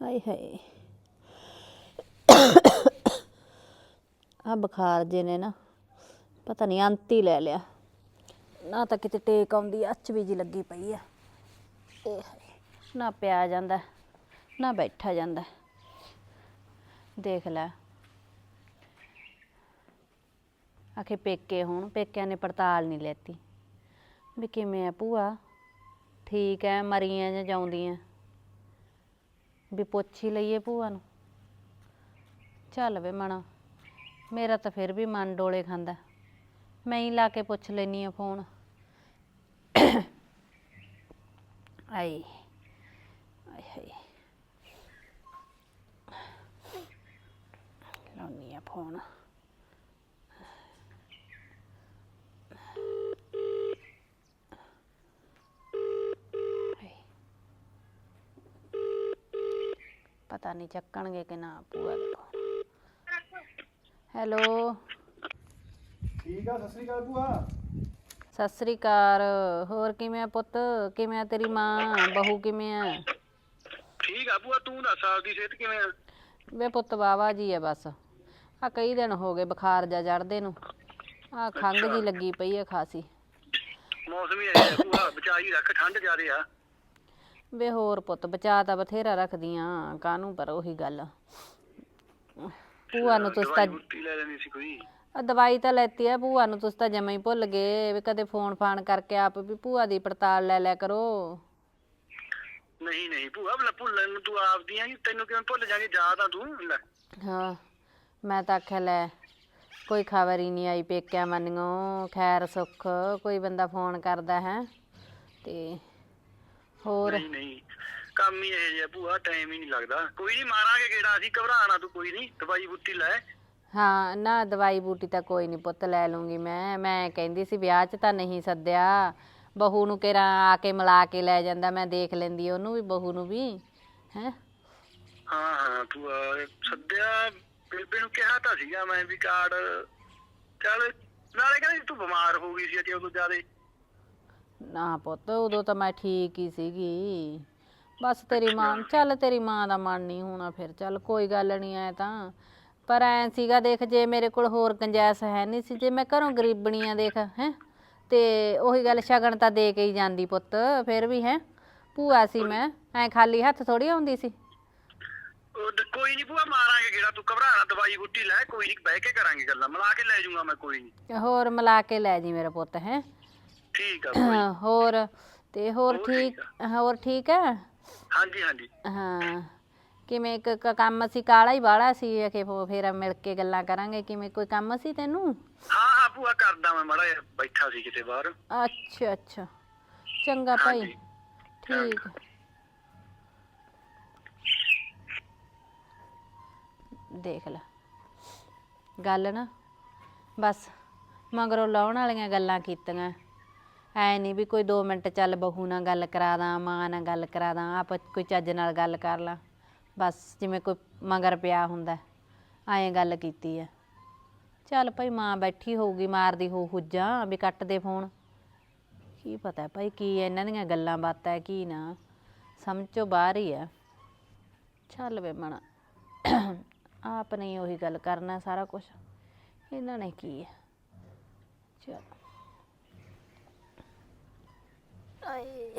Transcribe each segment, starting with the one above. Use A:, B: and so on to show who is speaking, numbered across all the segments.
A: ਹਾਏ ਹਾਏ ਆ ਬੁਖਾਰ ਜੇ ਨੇ ਨਾ ਪਤਾ ਨਹੀਂ ਅੰਤ ਹੀ ਲੈ ਲਿਆ ਨਾ। ਤਾਂ ਕਿਤੇ ਟੇਕ ਆਉਂਦੀ ਅੱਚ ਵੀ ਜੀ ਲੱਗੀ ਪਈ ਆ। ਇਹ ਨਾ ਪਿਆ ਜਾਂਦਾ ਨਾ ਬੈਠਾ ਜਾਂਦਾ। ਦੇਖ ਲੈ ਆਖੇ ਪੇਕੇ ਹੁਣ ਪੇਕਿਆਂ ਨੇ ਪੜਤਾਲ ਨਹੀਂ ਲੈਤੀ ਵੀ ਕਿਵੇਂ ਆ ਭੂਆ, ਠੀਕ ਹੈ, ਮਰੀਆਂ ਜਾਂ ਜਾਉਂਦੀਆਂ, ਵੀ ਪੁੱਛ ਹੀ ਲਈਏ ਭੂਆ ਨੂੰ। ਚੱਲ ਵੇ ਮਣਾ, ਮੇਰਾ ਤਾਂ ਫਿਰ ਵੀ ਮਨ ਡੋਲੇ ਖਾਂਦਾ। ਮੈਂ ਹੀ ਲਾ ਕੇ ਪੁੱਛ ਲੈਂਦੀ ਹਾਂ ਫੋਨ। ਆਏ ਆਏ ਹਾਏ, ਲਾਉਣੀ ਆ ਫੋਨ। ਪਤਾ ਨਹੀਂ ਚੱਕਣਗੇ ਕਿ ਨਾ ਭੂਆ ਦਾ। ਹੈਲੋ,
B: ਠੀਕ ਆ। ਸਤਿ ਸ੍ਰੀ ਅਕਾਲ ਭੂਆ।
A: ਸਤਿ ਸ੍ਰੀ ਅਕਾਲ। ਹੋਰ ਕਿਵੇਂ ਆ ਪੁੱਤ? ਕਿਵੇਂ ਆ ਤੇਰੀ ਮਾਂ ਬਹੂ, ਕਿਵੇਂ ਆ?
B: ਠੀਕ ਆ ਭੂਆ, ਤੂੰ ਦੱਸ ਆਪਦੀ ਸਿਹਤ ਕਿਵੇਂ ਆ?
A: ਵੇ ਪੁੱਤ ਵਾਵਾ ਜੀ ਆ ਬਸ। ਆ ਕਈ ਦਿਨ ਹੋ ਗਏ ਬੁਖਾਰ ਜਾ ਚੜ੍ਹਦੇ ਨੂੰ। ਆ ਖੰਘ ਜੀ ਲੱਗੀ ਪਈ ਆ ਖਾਸੀ।
B: ਮੌਸਮ ਹੀ ਇਹ ਭੂਆ, ਬਚਾ ਹੀ ਰੱਖ, ਠੰਡ ਜ਼ਿਆਦੇ ਆ।
A: ਵੇ ਹੋਰ ਪੁੱਤ ਬਚਾ ਤਾਂ ਬਥੇਰਾ ਰੱਖਦੀਆਂ, ਕਾਹਨੂੰ ਪਰ ਉਹੀ ਗੱਲ। ਭੂਆ ਨੂੰ ਤੁਸੀਂ ਤਾਂ
B: ਲੈ ਲੈਣੀ ਸੀ ਕੋਈ।
A: ਦਵਾਈ ਤਾਂ ਲੈਤੀ ਆ, ਭੂਆ ਨੂੰ ਤੁਸੀਂ ਤਾਂ ਜਮਾ ਹੀ ਭੁੱਲ ਗਏ ਵੀ ਕਦੇ ਫੋਨ ਫਾਨ ਕਰਕੇ ਆਪ ਵੀ ਭੂਆ ਦੀ ਪੜਤਾਲ ਲੈ ਲਿਆ ਕਰੋ।
B: ਨਹੀਂ ਨਹੀਂ ਭੂਆ, ਭੁੱਲਣ ਨੂੰ ਤੂੰ ਆਪਦੀ ਆ, ਤੈਨੂੰ ਕਿਵੇਂ ਭੁੱਲ ਜਾਗੇ? ਯਾਦ ਆ ਤੂੰ ਲੈ।
A: ਹਾਂ, ਮੈਂ ਤਾਂ ਆਖਿਆ ਲੈ ਕੋਈ ਖਬਰ ਹੀ ਨਹੀਂ ਆਈ ਪੇਕਿਆਂ ਮੰਨਿਓ, ਖੈਰ ਸੁੱਖ ਕੋਈ ਬੰਦਾ ਫੋਨ ਕਰਦਾ ਹੈ ਤੇ ਹੋਰ।
B: ਨਹੀਂ ਨਹੀਂ, ਕੰਮ ਹੀ ਇਹ ਜਿਹਾ ਭੂਆ, ਟਾਈਮ ਹੀ ਨਹੀਂ ਲੱਗਦਾ। ਕੋਈ ਨਹੀਂ, ਮਾਰਾਂਗੇ ਗੇੜਾ ਅਸੀਂ, ਘਬਰਾਣਾ ਤੂੰ ਕੋਈ ਨਹੀਂ, ਦਵਾਈ ਬੂਟੀ ਲੈ।
A: ਹਾਂ ਨਾ, ਦਵਾਈ ਬੂਟੀ ਤਾਂ ਕੋਈ ਨਹੀਂ ਪੁੱਤ, ਲੈ ਲੂੰਗੀ ਮੈਂ ਕਹਿੰਦੀ ਸੀ ਵਿਆਹ 'ਚ ਤਾਂ ਨਹੀਂ ਸੱਦਿਆ, ਬਹੂ ਨੂੰ ਕਿਹੜਾ ਆ ਕੇ ਮਿਲਾ ਕੇ ਲੈ ਜਾਂਦਾ, ਮੈਂ ਦੇਖ ਲੈਂਦੀ ਉਹਨੂੰ ਵੀ, ਬਹੂ ਨੂੰ ਵੀ ਹੈ।
B: ਹਾਂ ਹਾਂ ਭੂਆ, ਸੱਦਿਆ ਬੇਬੇ ਨੂੰ ਕਿਹਾ ਤਾਂ ਸੀਗਾ ਮੈਂ ਵੀ ਕਾਰਡ। ਚੱਲ ਨਾਲੇ ਕਹਿੰਦੀ ਤੂੰ ਬਿਮਾਰ ਹੋ ਗਈ ਸੀ ਅਜੇ ਉਦੋਂ ਜ਼ਿਆਦੇ।
A: ਨਾ ਪੁੱਤ ਉਦੋਂ ਤਾਂ ਮੈਂ ਠੀਕ ਹੀ ਸੀਗੀ, ਬਸ ਤੇਰੀ ਮਾਂ, ਚੱਲ ਤੇਰੀ ਮਾਂ ਦਾ ਮਨ ਨਹੀਂ ਹੋਣਾ ਫਿਰ ਚੱਲ ਕੋਈ ਗੱਲ ਨਹੀਂ। ਐ ਤਾਂ ਪਰ ਐਂ ਸੀਗਾ ਦੇਖ, ਜੇ ਮੇਰੇ ਕੋਲ ਹੋਰ ਗੁੰਜਾਇਸ਼ ਹੈ ਨਹੀਂ ਸੀ, ਜੇ ਮੈਂ ਘਰੋਂ ਗਰੀਬਣੀ ਆ ਦੇਖ ਹੈ, ਤੇ ਉਹੀ ਗੱਲ ਸ਼ਗਨ ਤਾਂ ਦੇ ਕੇ ਹੀ ਜਾਂਦੀ ਪੁੱਤ ਫਿਰ ਵੀ ਹੈ। ਭੂਆ ਸੀ ਮੈਂ, ਐਂ ਖਾਲੀ ਹੱਥ ਥੋੜੀ ਆਉਂਦੀ ਸੀ।
B: ਕੋਈ ਨਹੀਂ ਭੂਆ, ਮਾਰਾਂਗੇ ਗੇੜਾ, ਤੂੰ ਘਬਰਾਣਾ, ਦਵਾਈ ਬੂਟੀ ਲੈ, ਕੋਈ ਨਹੀਂ ਬਹਿ ਕੇ ਕਰਾਂਗੇ ਗੱਲਾਂ, ਮਿਲਾ ਕੇ ਲੈ ਜਾਊਂਗਾ ਮੈਂ, ਕੋਈ ਨਹੀਂ।
A: ਹੋਰ ਮਿਲਾ ਕੇ ਲੈ ਜੀ ਮੇਰਾ ਪੁੱਤ ਹੈ।
B: ਠੀਕ ਆ
A: ਹੋਰ ਤੇ ਹੋਰ ਠੀਕ, ਹੋਰ ਠੀਕ ਹੈ।
B: ਹਾਂਜੀ ਹਾਂਜੀ।
A: ਹਾਂ, ਕਿਵੇਂ ਕੰਮ ਸੀ ਕਾਲਾ ਹੀ ਵਾਲਾ ਸੀ ਕਿ ਫਿਰ ਮਿਲ ਕੇ ਗੱਲਾਂ ਕਰਾਂਗੇ। ਕਿਵੇਂ ਕੋਈ ਕੰਮ ਸੀ ਤੈਨੂੰ?
B: ਹਾਂ ਹਾਂ ਭੂਆ, ਕਰਦਾ ਮੈਂ, ਮਾੜਾ ਜਿਹਾ ਬੈਠਾ ਸੀ ਕਿਤੇ ਬਾਹਰ।
A: ਅੱਛਾ ਅੱਛਾ, ਚੰਗਾ ਭਾਈ, ਠੀਕ। ਦੇਖ ਲੈ ਗੱਲ ਨਾ, ਬਸ ਮਗਰੋਂ ਲਾਉਣ ਵਾਲੀਆਂ ਗੱਲਾਂ ਕੀਤੀਆਂ। ਐ ਨਹੀਂ ਵੀ ਕੋਈ 2 ਮਿੰਟ ਚੱਲ ਬਹੂ ਨਾਲ ਗੱਲ ਕਰਾ ਦਾਂ, ਮਾਂ ਨਾਲ ਗੱਲ ਕਰਾ ਦਾਂ, ਆਪ ਕੋਈ ਚੱਜ ਨਾਲ ਗੱਲ ਕਰ ਲਾਂ, ਬਸ ਜਿਵੇਂ ਕੋਈ ਮਗਰ ਪਿਆ ਹੁੰਦਾ ਐਂ ਗੱਲ ਕੀਤੀ ਆ। ਚੱਲ ਭਾਈ ਮਾਂ ਬੈਠੀ ਹੋਊਗੀ, ਮਾਰਦੀ ਹੋਊ ਹੁੱਜਾਂ ਵੀ ਕੱਟ ਦੇ ਫੋਨ, ਕੀ ਪਤਾ ਭਾਈ ਕੀ ਇਹਨਾਂ ਦੀਆਂ ਗੱਲਾਂ ਬਾਤਾਂ ਕੀ ਨਾ, ਸਮਝ ਚੋਂ ਬਾਹਰ ਹੀ ਆ। ਚੱਲ ਵੇ ਮਣਾ, ਆਪ ਨੇ ਉਹੀ ਗੱਲ ਕਰਨਾ ਸਾਰਾ ਕੁਛ, ਇਹਨਾਂ ਨੇ ਕੀ ਹੈ। ਚਲ ਆਏ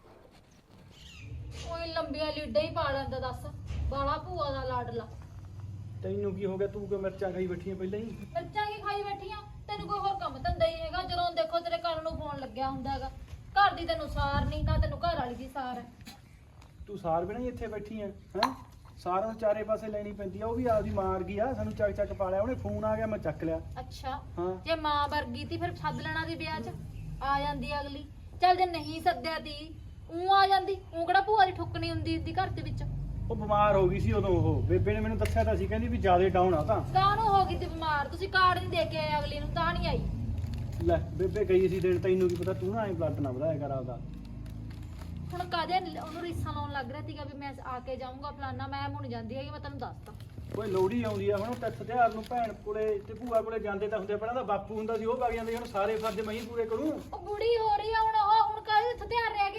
C: ਕੋਈ ਲੰਬੀਆਂ ਲੀਡਾਂ ਹੀ ਪਾ ਲੈਂਦਾ, ਦੱਸ ਬਾਲਾ ਭੂਆ ਦਾ ਲਾਡਲਾ।
B: ਤੈਨੂੰ ਕੀ ਹੋ ਗਿਆ? ਤੂੰ ਕਿ ਮਿਰਚਾਂ ਖਾਈ ਬੈਠੀ ਆ ਪਹਿਲਾਂ ਹੀ?
C: ਮਿਰਚਾਂ ਕੀ ਖਾਈ ਬੈਠੀਆਂ? ਤੈਨੂੰ ਕੋਈ ਹੋਰ ਕੰਮ ਧੰਦਾ ਹੀ ਹੈਗਾ? ਜਦੋਂ ਦੇਖੋ ਤੇਰੇ ਕੰਨ ਨੂੰ ਫੋਨ ਲੱਗਿਆ ਹੁੰਦਾ ਹੈਗਾ। ਘਰ ਦੀ ਤੈਨੂੰ ਸਾਰ ਨਹੀਂ, ਨਾ ਤੈਨੂੰ ਘਰ ਵਾਲੀ ਦੀ ਸਾਰ ਹੈ।
B: ਤੂੰ ਸਾਰ ਬਿਨਾਂ ਹੀ ਇੱਥੇ ਬੈਠੀ ਆ ਹੈ? ਸਾਰਾ ਨੂੰ ਚਾਰੇ ਪਾਸੇ ਲੈਣੀ ਪੈਂਦੀ ਆ, ਉਹ ਵੀ ਆਪਦੀ ਮਾਂ ਵਰਗੀ ਆ, ਸਾਨੂੰ ਚੱਕ ਚੱਕ ਪਾ ਲਿਆ ਉਹਨੇ। ਫੋਨ ਆ ਗਿਆ ਮੈਂ ਚੱਕ ਲਿਆ।
C: ਅੱਛਾ,
B: ਹਾਂ।
C: ਜੇ ਮਾਂ ਵਰਗੀ ਤੀ ਫਿਰ ਸੱਦ ਲੈਣਾ ਦੀ ਵਿਆਹ 'ਚ, ਆ ਜਾਂਦੀ ਅਗਲੀ। ਚੱਲ ਜੇ ਨਹੀਂ ਸੱਦਿਆ ਤੀ ਊਂ ਆ ਜਾਂਦੀ, ਊਂ ਕਿਹੜਾ ਭੂਆ ਦੀ ਠੁੱਕਣੀ ਹੁੰਦੀ ਦੀ ਘਰ ਦੇ ਵਿੱਚ।
B: ਉਹ ਬਿਮਾਰ ਹੋ ਗਈ ਸੀ ਉਦੋਂ, ਉਹ ਬੇਬੇ ਨੇ ਮੈਨੂੰ ਦੱਸਿਆ ਤਾਂ ਸੀ, ਕਹਿੰਦੀ ਵੀ ਜ਼ਿਆਦਾ ਡਾਊਨ ਆ ਤਾਂ।
C: ਕਾਹਨੂੰ ਹੋ ਗਈ ਤੇ ਬਿਮਾਰ? ਤੁਸੀਂ ਕਾਰਡ ਨਹੀਂ ਦੇ ਕੇ ਆਏ ਅਗਲੀ ਨੂੰ, ਤਾਂ ਨਹੀਂ ਆਈ।
B: ਲੈ ਬੇਬੇ ਗਈ ਸੀ ਦੇਣ, ਤੈਨੂੰ ਕੀ ਪਤਾ, ਤੂੰ ਨਾ ਐਂ ਬਲੱਡ ਨਾ ਵਧਾਇਆ ਕਰ ਆਪਦਾ।
C: ਹੁਣ ਕਾਹਦੇ ਉਹਨੂੰ ਰੀਸਾਂ ਲਾਉਣ ਲੱਗ ਰਿਹਾ ਸੀਗਾ ਵੀ ਮੈਂ ਆ ਕੇ ਜਾਊਂਗਾ ਫਲਾਨਾ। ਮੈਂ ਮੁੜ ਜਾਂਦੀ ਹੈਗੀ, ਮੈਂ ਤੈਨੂੰ ਦੱਸਦਾ।
B: ਕੋਈ ਲੋਹੜੀ ਆਉਂਦੀ ਆ ਹੁਣ, ਤਿੱਥ ਤਿਉਹਾਰ ਨੂੰ ਭੈਣ ਕੋਲੇ ਤੇ ਭੂਆ ਕੋਲੇ ਜਾਂਦੇ ਤਾਂ ਹੁੰਦੇ, ਪਹਿਲਾਂ ਤਾਂ ਬਾਪੂ ਹੁੰਦਾ ਸੀ, ਉਹ ਵਗ ਜਾਂਦੇ। ਹੁਣ ਸਾਰੇ ਫਰਜ਼ ਮੈਂ ਹੀ ਪੂਰੇ ਕਰੂੰ।
C: ਉਹ ਬੁੜੀ ਹੋ ਰਹੀ ਆ ਹੁਣ, ਉਹ ਹੁਣ ਕਾਹਦੇ ਹਥਿਆਰ ਰਹਿ ਗਏ?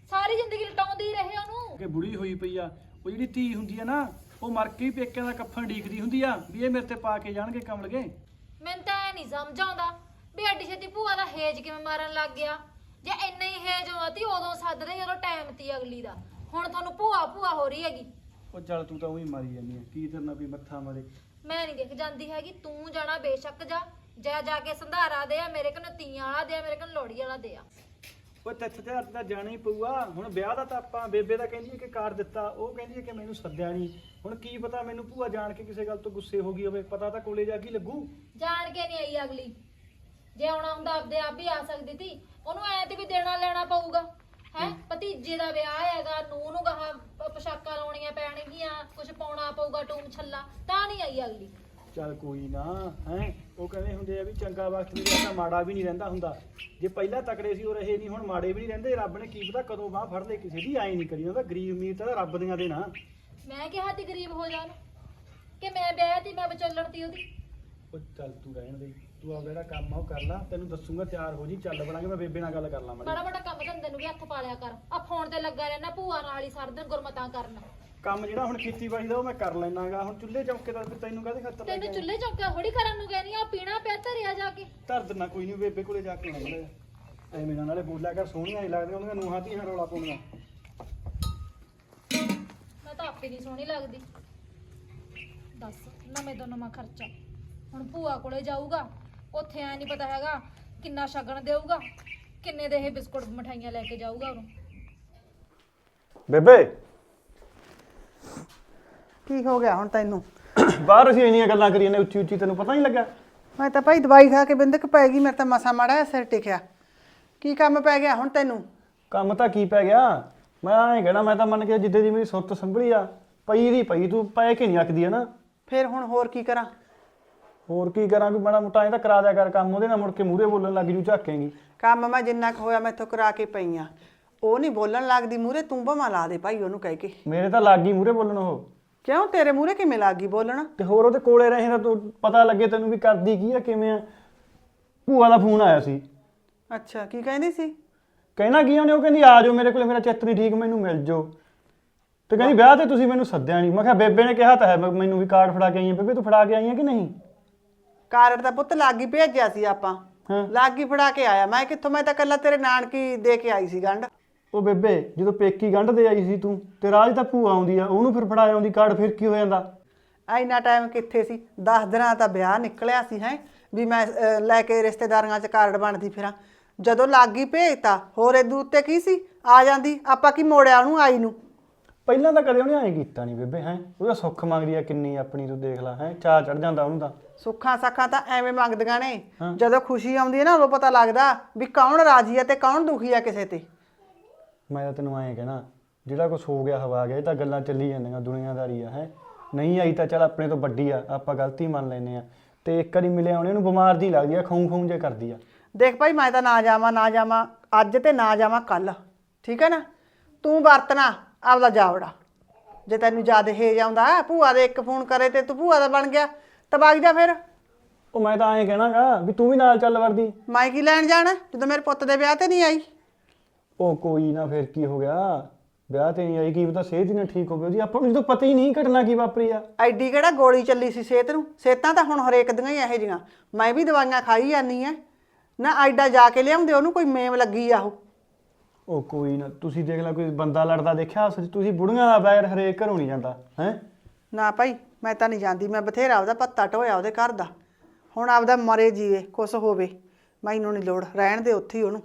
C: ਸਾਰੀ ਜ਼ਿੰਦਗੀ ਲਟਾਉਂਦੇ ਹੀ ਰਹੇ ਉਹਨੂੰ।
D: ਕਿ ਬੁੜੀ ਹੋਈ ਪਈ ਆ, ਉਹ ਜਿਹੜੀ ਧੀ ਹੁੰਦੀ ਆ ਨਾ, ਉਹ ਮਰ ਕੇ ਹੀ ਪੇਕਿਆਂ ਦਾ ਕੱਫਨ ਢੀਕਦੀ ਹੁੰਦੀ ਆ ਵੀ ਇਹ ਮੇਰੇ ਤੇ ਪਾ ਕੇ ਜਾਣਗੇ ਕਮਲਗੇ।
C: ਮੈਨੂੰ ਤਾਂ ਇਹ ਨਹੀਂ ਸਮਝ ਆਉਂਦਾ ਵੀ ਐਡੀ ਛੇਤੀ ਭੂਆ ਦਾ ਹੇਜ ਕਿਵੇਂ ਮਾਰਨ ਲੱਗ ਗਿਆ। ਜੇ ਇੰਨਾ ਹੀ ਹੇਜ ਹੋਇਆ ਤੀ ਉਦੋਂ ਸੱਦਦੇ ਜਦੋਂ ਟਾਈਮ ਤੀ ਅਗਲੀ ਦਾ। ਹੁਣ ਤੁਹਾਨੂੰ ਭੂਆ ਭੂਆ ਹੋ ਰਹੀ ਹੈਗੀ।
D: ਉਹ ਚੱਲ ਤੂੰ ਤਾਂ ਉਹੀ ਮਾਰੀ ਜਾਂਦੀ ਆ, ਕੀ ਤੇਰੇ ਨਾਲ ਵੀ ਮੱਥਾ ਮਾਰੇ।
C: ਮੈਂ ਨਹੀਂ ਦੇਖ ਜਾਂਦੀ ਹੈਗੀ, ਤੂੰ ਜਾਣਾ ਬੇਸ਼ੱਕ ਜਾ ਕੇ ਸੰਧਾਰਾ ਦੇ ਆ ਮੇਰੇ ਕੋਲ, ਤੀਆਂ ਵਾਲਾ ਦੇ ਆ ਮੇਰੇ ਕੋਲ, ਲੋਹੜੀ ਵਾਲਾ ਦੇ ਆ।
D: ਉਹ ਤਿੱਥ ਤੇ ਤਾਂ ਜਾਣਾ ਹੀ ਪਊਗਾ। ਹੁਣ ਵਿਆਹ ਦਾ ਤਾਂ ਆਪਾਂ ਬੇਬੇ ਦਾ ਕਹਿੰਦੀ ਹੈ ਕਿ ਕਾਰ ਦਿੱਤਾ, ਉਹ ਕਹਿੰਦੀ ਹੈ ਕਿ ਮੈਨੂੰ ਸੱਦਿਆ ਨਹੀਂ। ਹੁਣ ਕੀ ਪਤਾ ਮੈਨੂੰ ਭੂਆ ਜਾਣ ਕੇ ਕਿਸੇ ਗੱਲ ਤੋਂ ਗੁੱਸੇ ਹੋ ਗਈ ਹੋਵੇ, ਪਤਾ ਤਾਂ ਕੋਲੇ ਜਾ ਕੇ ਲੱਗੂ।
C: ਜਾਣ ਕੇ ਨਹੀਂ ਆਈ ਅਗਲੀ, ਜੇ ਆਉਣਾ ਹੁੰਦਾ ਆਪਦੇ ਆਪ ਵੀ ਆ ਸਕਦੀ ਸੀ। ਉਹਨੂੰ ਐ ਤੇ ਵੀ ਦੇਣਾ ਲੈਣਾ ਪਊਗਾ ਹੈ। ਭਤੀਜੇ ਦਾ ਵਿਆਹ ਹੈਗਾ, ਨੂੰਹ ਨੂੰ ਗਾਹਾਂ ਪੋਸ਼ਾਕਾਂ ਲਾਉਣੀਆਂ ਪੈਣਗੀਆਂ, ਕੁਝ ਪਾਉਣਾ ਪਊਗਾ, ਟੂਮ ਛੱਲਾ, ਤਾਂ ਨਹੀਂ ਆਈ ਅਗਲੀ।
D: ਚੱਲ ਕੋਈ ਨਾ ਹੈ, ਉਹ ਕਹਿੰਦੇ ਹੁੰਦੇ ਆ ਵੀ ਚੰਗਾ ਵਕਤ ਵੀ ਰਹਿੰਦਾ ਮਾੜਾ ਵੀ ਨਹੀਂ ਰਹਿੰਦਾ ਹੁੰਦਾ। ਜੇ ਪਹਿਲਾਂ ਤਕੜੇ ਸੀ ਉਹ ਰਹੇ ਨਹੀਂ, ਹੁਣ ਮਾੜੇ ਵੀ ਨਹੀਂ ਰਹਿੰਦੇ। ਰੱਬ ਨੇ ਕੀ ਪਤਾ ਕਦੋਂ ਬਾਹ ਫੜ ਲੈ ਕਿਸੇ ਦੀ, ਆਈ ਨਹੀਂ ਕਰੀ ਹੁੰਦਾ। ਗਰੀਬ ਅਮੀਰ ਤਾਂ ਰੱਬ ਦੀਆਂ ਦੇ ਨਾ।
C: ਮੈਂ ਕਿਹਾ ਤੀ ਗਰੀਬ ਹੋ ਜਾਣ ਕਿ ਮੈਂ ਵਿਆਹ ਤੀ, ਮੈਂ ਵਿਚੋਲਣ ਤੀ ਉਹਦੀ।
D: ਉਹ ਚੱਲ ਤੂੰ ਰਹਿਣ ਦੇ, ਤੂੰ ਆ ਜਿਹੜਾ ਕੰਮ ਆ ਉਹ ਕਰ ਲਾ। ਤੈਨੂੰ ਦੱਸੂਗਾ, ਤਿਆਰ ਹੋ ਜੀ, ਚੱਲ ਬਣਾਂਗੇ। ਮੈਂ ਬੇਬੇ ਨਾਲ ਗੱਲ ਕਰ ਲਾਂ।
C: ਬੜਾ ਬੜਾ ਕੰਮ ਧੰਦੇ ਨੂੰ ਵੀ ਹੱਥ ਪਾ ਲਿਆ ਕਰ। ਆ ਫੋਨ ਤੇ ਲੱਗਾ ਰਹਿਣਾ ਭੂਆ ਨਾਲ ਹੀ ਸਾਰਾ ਦਿਨ ਗੁਰਮਤਾਂ ਕਰਨ।
D: ਕੰਮ ਜਿਹੜਾ ਹੁਣ ਖੇਤੀਬਾੜੀ ਦਾ ਉਹ ਮੈਂ ਕਰ ਲੈਣਾਗਾ। ਹੁਣ ਚੁੱਲ੍ਹੇ ਚੌਕੇ ਦਾ ਤੈਨੂੰ ਕਾਹਦੇ ਖਾਤਰ ਲੈ ਕੇ
C: ਤੈਨੂੰ ਚੁੱਲ੍ਹੇ ਚੌਕਾ ਥੋੜੀ ਕਰਨ ਨੂੰ ਕਹਿੰਦੀ ਆ, ਪੀਣਾ ਪਿਆ ਧਰਿਆ ਜਾ ਕੇ।
D: ਧਰ ਦਿੰਦਾ ਕੋਈ ਨਹੀਂ, ਬੇਬੇ ਕੋਲੇ ਜਾ ਕੇ ਆਉਣਾ। ਐਵੇਂ ਨਾ ਨਾਲੇ ਬੋਲਿਆ ਕਰ, ਸੋਹਣੀਆਂ ਨਹੀਂ ਲੱਗਦੀਆਂ ਉਹਦੀਆਂ ਨੂੰਹਾਂ ਧੀਆਂ ਰੌਲਾ ਪਾਉਣੀਆਂ।
C: ਮੈਂ ਤਾਂ ਆਪੇ ਨਹੀਂ ਸੋਹਣੀ ਲੱਗਦੀ। ਦੱਸ ਨਵੇਂ ਤੋਂ ਨਵਾਂ ਖਰਚਾ। ਹੁਣ ਭੂਆ ਕੋਲੇ ਜਾਊਗਾ, ਉੱਥੇ ਐ ਨਹੀਂ ਪਤਾ ਹੈਗਾ ਕਿੰਨਾ ਸ਼ਗਨ ਦੇਊਗਾ, ਕਿੰਨੇ ਦੇ ਇਹ ਬਿਸਕੁਟ ਮਠਾਈਆਂ ਲੈ ਕੇ ਜਾਊਗਾ ਉਹਨੂੰ।
D: ਬੇਬੇ
E: ਕੀ ਹੋ ਗਿਆ ਹੁਣ ਤੈਨੂੰ?
D: ਬਾਹਰ ਅਸੀਂ ਇੰਨੀਆਂ ਗੱਲਾਂ ਕਰੀਆਂ ਨੇ ਉੱਚੀ ਉੱਚੀ, ਤੈਨੂੰ ਪਤਾ ਨਹੀਂ ਲੱਗਾ?
E: ਮੈਂ ਤਾਂ ਭਾਈ ਦਵਾਈ ਖਾ ਕੇ ਬਿੰਦਕ ਪੈ ਗਈ, ਮੇਰੇ ਤਾਂ ਮਸਾ ਮਾੜਾ ਜਿਹਾ ਸਿਰ ਟਿਕਿਆ। ਕੀ ਕੰਮ ਪੈ ਗਿਆ ਹੁਣ ਤੈਨੂੰ?
D: ਕੰਮ ਤਾਂ ਕੀ ਪੈ ਗਿਆ, ਮੈਂ ਐਂ ਕਹਿਣਾ, ਮੈਂ ਤਾਂ ਮੰਨ ਕੇ ਜਿੱਦੇ ਦੀ ਮੇਰੀ ਸੁਰਤ ਸੰਭਲੀ ਆ, ਪਈ ਦੀ ਪਈ, ਤੂੰ ਪੈ ਕੇ ਨਹੀਂ ਆਖਦੀ ਹੈ ਨਾ।
E: ਫਿਰ ਹੁਣ ਹੋਰ ਕੀ ਕਰਾਂ?
D: ਹੋਰ ਕੀ ਕਰਾਂ, ਕੋਈ ਮਾੜਾ ਮੋਟਾ ਐਂ ਤਾਂ ਕਰਾ ਦਿਆ ਕਰ ਕੰਮ। ਉਹਦੇ ਨਾਲ ਮੁੜ ਕੇ ਮੂਹਰੇ ਬੋਲਣ ਲੱਗ ਜੂ, ਝਾਕੇਂਗੀ।
E: ਕੰਮ ਮੈਂ ਜਿੰਨਾ ਕੁ ਹੋਇਆ ਮੈਥੋਂ ਕਰਾ ਕੇ ਪਈ ਆ। ਉਹ ਨਹੀਂ ਬੋਲਣ ਲੱਗਦੀ ਮੂਹਰੇ, ਤੂੰ ਭਾਵੇਂ ਲਾ ਦੇ ਭਾਈ ਉਹਨੂੰ ਕਹਿ ਕੇ।
D: ਮੇਰੇ ਤਾਂ ਲੱਗ ਗਈ ਮੂਹਰੇ ਬੋਲਣ ਉਹ।
E: ਕਿਉਂ ਤੇਰੇ ਮੂਹਰੇ ਕਿਵੇਂ ਲੱਗ ਗਈ ਬੋਲਣ?
D: ਤੇ ਹੋਰ ਉਹਦੇ ਕੋਲੇ ਰਹੇ ਤਾਂ ਤੂੰ ਪਤਾ ਲੱਗੇ ਤੈਨੂੰ ਵੀ ਕਰਦੀ ਕੀ ਆ, ਕਿਵੇਂ ਆ। ਭੂਆ ਦਾ ਫੋਨ ਆਇਆ ਸੀ।
E: ਅੱਛਾ, ਕੀ ਕਹਿੰਦੀ ਸੀ?
D: ਕਹਿਣਾ ਕੀ ਉਹਨੇ, ਉਹ ਕਹਿੰਦੀ ਆ ਜਾਓ ਮੇਰੇ ਕੋਲੇ, ਮੇਰਾ ਚਿੱਤ ਨਹੀਂ ਠੀਕ, ਮੈਨੂੰ ਮਿਲ ਜਾਓ। ਤੇ ਕਹਿੰਦੀ ਵਿਆਹ ਤੇ ਤੁਸੀਂ ਮੈਨੂੰ ਸੱਦਿਆ ਨਹੀਂ। ਮੈਂ ਕਿਹਾ ਬੇਬੇ ਨੇ ਕਿਹਾ ਤਾਂ ਹੈ, ਮੈਨੂੰ ਵੀ ਕਾਰਡ ਫੜਾ ਕੇ ਆਈ ਹੈ। ਬੇਬੇ ਤੂੰ ਫੜਾ ਕੇ ਆਈ ਹੈ ਕਿ ਨਹੀਂ?
E: ਕਾਰਡ ਦਾ ਪੁੱਤ ਲਾਗੀ ਭੇਜਿਆ ਸੀ ਆਪਾਂ,
D: ਹਾਂ।
E: ਲਾਗੀ ਫੜਾ ਕੇ ਆਇਆ ਮੈਂ। ਕਿੱਥੋਂ, ਮੈਂ ਤਾਂ ਕੱਲਾ ਤੇਰੇ ਨਾਨਕੀ ਦੇ ਕੇ ਆਈ ਸੀ ਗੰਢ।
D: ਉਹ ਬੇਬੇ ਜਦੋਂ ਪੇਕੀ ਗੰਢ ਦੇ ਆਈ ਸੀ ਤੂੰ, ਤੇ ਰਾਜ ਤਾਂ ਭੂਆ ਆਉਂਦੀ ਆ, ਉਹਨੂੰ ਫਿਰ ਫੜਾ ਆਉਂਦੀ ਕਾਰਡ, ਫਿਰ ਕੀ ਹੋ ਜਾਂਦਾ?
E: ਇੰਨਾ ਟਾਈਮ ਕਿੱਥੇ ਸੀ? 10 ਦਿਨਾਂ ਦਾ ਵਿਆਹ ਨਿਕਲਿਆ ਸੀ ਹੈ ਵੀ ਮੈਂ ਲੈ ਕੇ ਰਿਸ਼ਤੇਦਾਰੀਆਂ 'ਚ ਕਾਰਡ ਬਣਦੀ ਫਿਰਾਂ। ਜਦੋਂ ਲਾਗੀ ਭੇਜਤਾ, ਹੋਰ ਇਹਦੂ ਉੱਤੇ ਕੀ ਸੀ? ਆ ਜਾਂਦੀ, ਆਪਾਂ ਕੀ ਮੋੜਿਆ ਉਹਨੂੰ ਆਈ ਨੂੰ?
D: ਪਹਿਲਾਂ ਤਾਂ ਕਦੇ ਉਹਨੇ ਐਂ ਕੀਤਾ ਨਹੀਂ ਬੇਬੇ ਹੈ। ਉਹਦਾ ਸੁੱਖ ਮੰਗਦੀ ਆ ਕਿੰਨੀ ਆਪਣੀ, ਤੂੰ ਦੇਖ ਲੈ ਹੈ, ਚਾਹ ਚੜ ਜਾਂਦਾ ਉਹਨੂੰ ਤਾਂ।
E: ਸੁੱਖਾਂ ਸਾਖਾਂ ਤਾਂ ਐਵੇਂ ਮੰਗਦੀਆਂ ਨੇ, ਜਦੋਂ ਖੁਸ਼ੀ ਆਉਂਦੀ ਹੈ ਨਾ ਉਦੋਂ ਪਤਾ ਲੱਗਦਾ ਵੀ ਕੌਣ ਰਾਜੀ ਹੈ ਤੇ ਕੌਣ ਦੁਖੀ ਹੈ ਕਿਸੇ ਤੇ।
D: ਮੈਂ ਤਾਂ ਤੈਨੂੰ ਐਂ ਕਹਿਣਾ, ਜਿਹੜਾ ਕੁਛ ਹੋ ਗਿਆ ਹਵਾ ਗਿਆ, ਇਹ ਤਾਂ ਗੱਲਾਂ ਚੱਲੀ ਜਾਂਦੀਆਂ, ਦੁਨੀਆਦਾਰੀ ਆ ਹੈ। ਨਹੀਂ ਆਈ ਤਾਂ ਚੱਲ ਆਪਣੇ ਤੋਂ ਵੱਡੀ ਆ, ਆਪਾਂ ਗਲਤੀ ਮੰਨ ਲੈਨੇ ਆ। ਤੇ ਇੱਕ ਵਾਰੀ ਮਿਲਿਆ ਉਹਨੇ, ਉਹਨੂੰ ਬਿਮਾਰ ਦੀ ਲੱਗਦੀ ਆ, ਖਾਉਂ ਖਾਉਂ ਜੇ ਕਰਦੀ ਆ।
E: ਦੇਖ ਭਾਈ, ਮੈਂ ਤਾਂ ਨਾ ਜਾਵਾਂ ਅੱਜ ਤੇ ਨਾ ਜਾਵਾਂ ਕੱਲ, ਠੀਕ ਹੈ ਨਾ? ਤੂੰ ਵਰਤਣਾ ਆਪਦਾ ਜਾਵੜਾ। ਜੇ ਤੈਨੂੰ ਜ਼ਿਆਦਾ ਹੇਜ ਆਉਂਦਾ, ਭੂਆ ਦੇ ਇੱਕ ਫੋਨ ਕਰੇ ਤੇ ਤੂੰ ਭੂਆ ਦਾ ਬਣ ਗਿਆ ਤਾਂ ਵਗ ਜਾ ਫਿਰ।
D: ਉਹ ਮੈਂ ਤਾਂ ਐਂ ਕਹਿਣਾਗਾ ਵੀ ਤੂੰ ਵੀ ਨਾਲ ਚੱਲ ਵਰਦੀ।
E: ਮੈਂ ਕੀ ਲੈਣ ਜਾਣਾ ਜਦੋਂ ਮੇਰੇ ਪੁੱਤ ਦੇ ਵਿਆਹ ਤੇ ਨਹੀਂ ਆਈ?
D: ਉਹ ਕੋਈ ਨਾ, ਫਿਰ ਕੀ ਹੋ ਗਿਆ, ਵਿਆਹ ਤੇ ਨਹੀਂ ਆਈ, ਕੀ ਪਤਾ ਸਿਹਤ ਹੀ ਨਾ ਠੀਕ ਹੋਵੇ ਉਹਦੀ। ਆਪਾਂ ਨੂੰ ਜਦੋਂ ਪਤਾ ਹੀ ਨਹੀਂ ਘਟਨਾ ਕੀ ਵਾਪਰੀ ਆ।
E: ਐਡੀ ਕਿਹੜਾ ਗੋਲੀ ਚੱਲੀ ਸੀ ਸਿਹਤ ਨੂੰ? ਸਿਹਤਾਂ ਤਾਂ ਹੁਣ ਹਰੇਕ ਦੀਆਂ ਹੀ ਇਹੋ ਜਿਹੀਆਂ। ਮੈਂ ਵੀ ਦਵਾਈਆਂ ਖਾਈ ਜਾਂਦੀ ਆ ਨਾ, ਐਡਾ ਜਾ ਕੇ ਲਿਆਉਂਦੇ ਉਹਨੂੰ, ਕੋਈ ਮੇਮ ਲੱਗੀ ਆ ਉਹ।
D: ਉਹ ਕੋਈ ਨਾ, ਤੁਸੀਂ ਦੇਖ ਲੈ, ਕੋਈ ਬੰਦਾ ਲੜਦਾ ਦੇਖਿਆ ਉਸ 'ਚ? ਤੁਸੀਂ ਬੁੜੀਆਂ ਦਾ ਬੈਰ ਹਰੇਕ ਘਰੋਂ ਨਹੀਂ ਜਾਂਦਾ ਹੈ।
E: ਨਾ ਭਾਈ, ਮੈਂ ਤਾਂ ਨਹੀਂ ਜਾਂਦੀ। ਮੈਂ ਬਥੇਰਾ ਉਹਦਾ ਪੱਤਾ ਢੋਇਆ ਉਹਦੇ ਘਰ ਦਾ। ਹੁਣ ਆਪਦਾ ਮਰੇ ਜੀਵੇ, ਕੁਛ ਹੋਵੇ, ਮੈਨੂੰ ਨਹੀਂ ਲੋੜ, ਰਹਿਣ ਦੇ ਉੱਥੇ ਹੀ ਉਹਨੂੰ।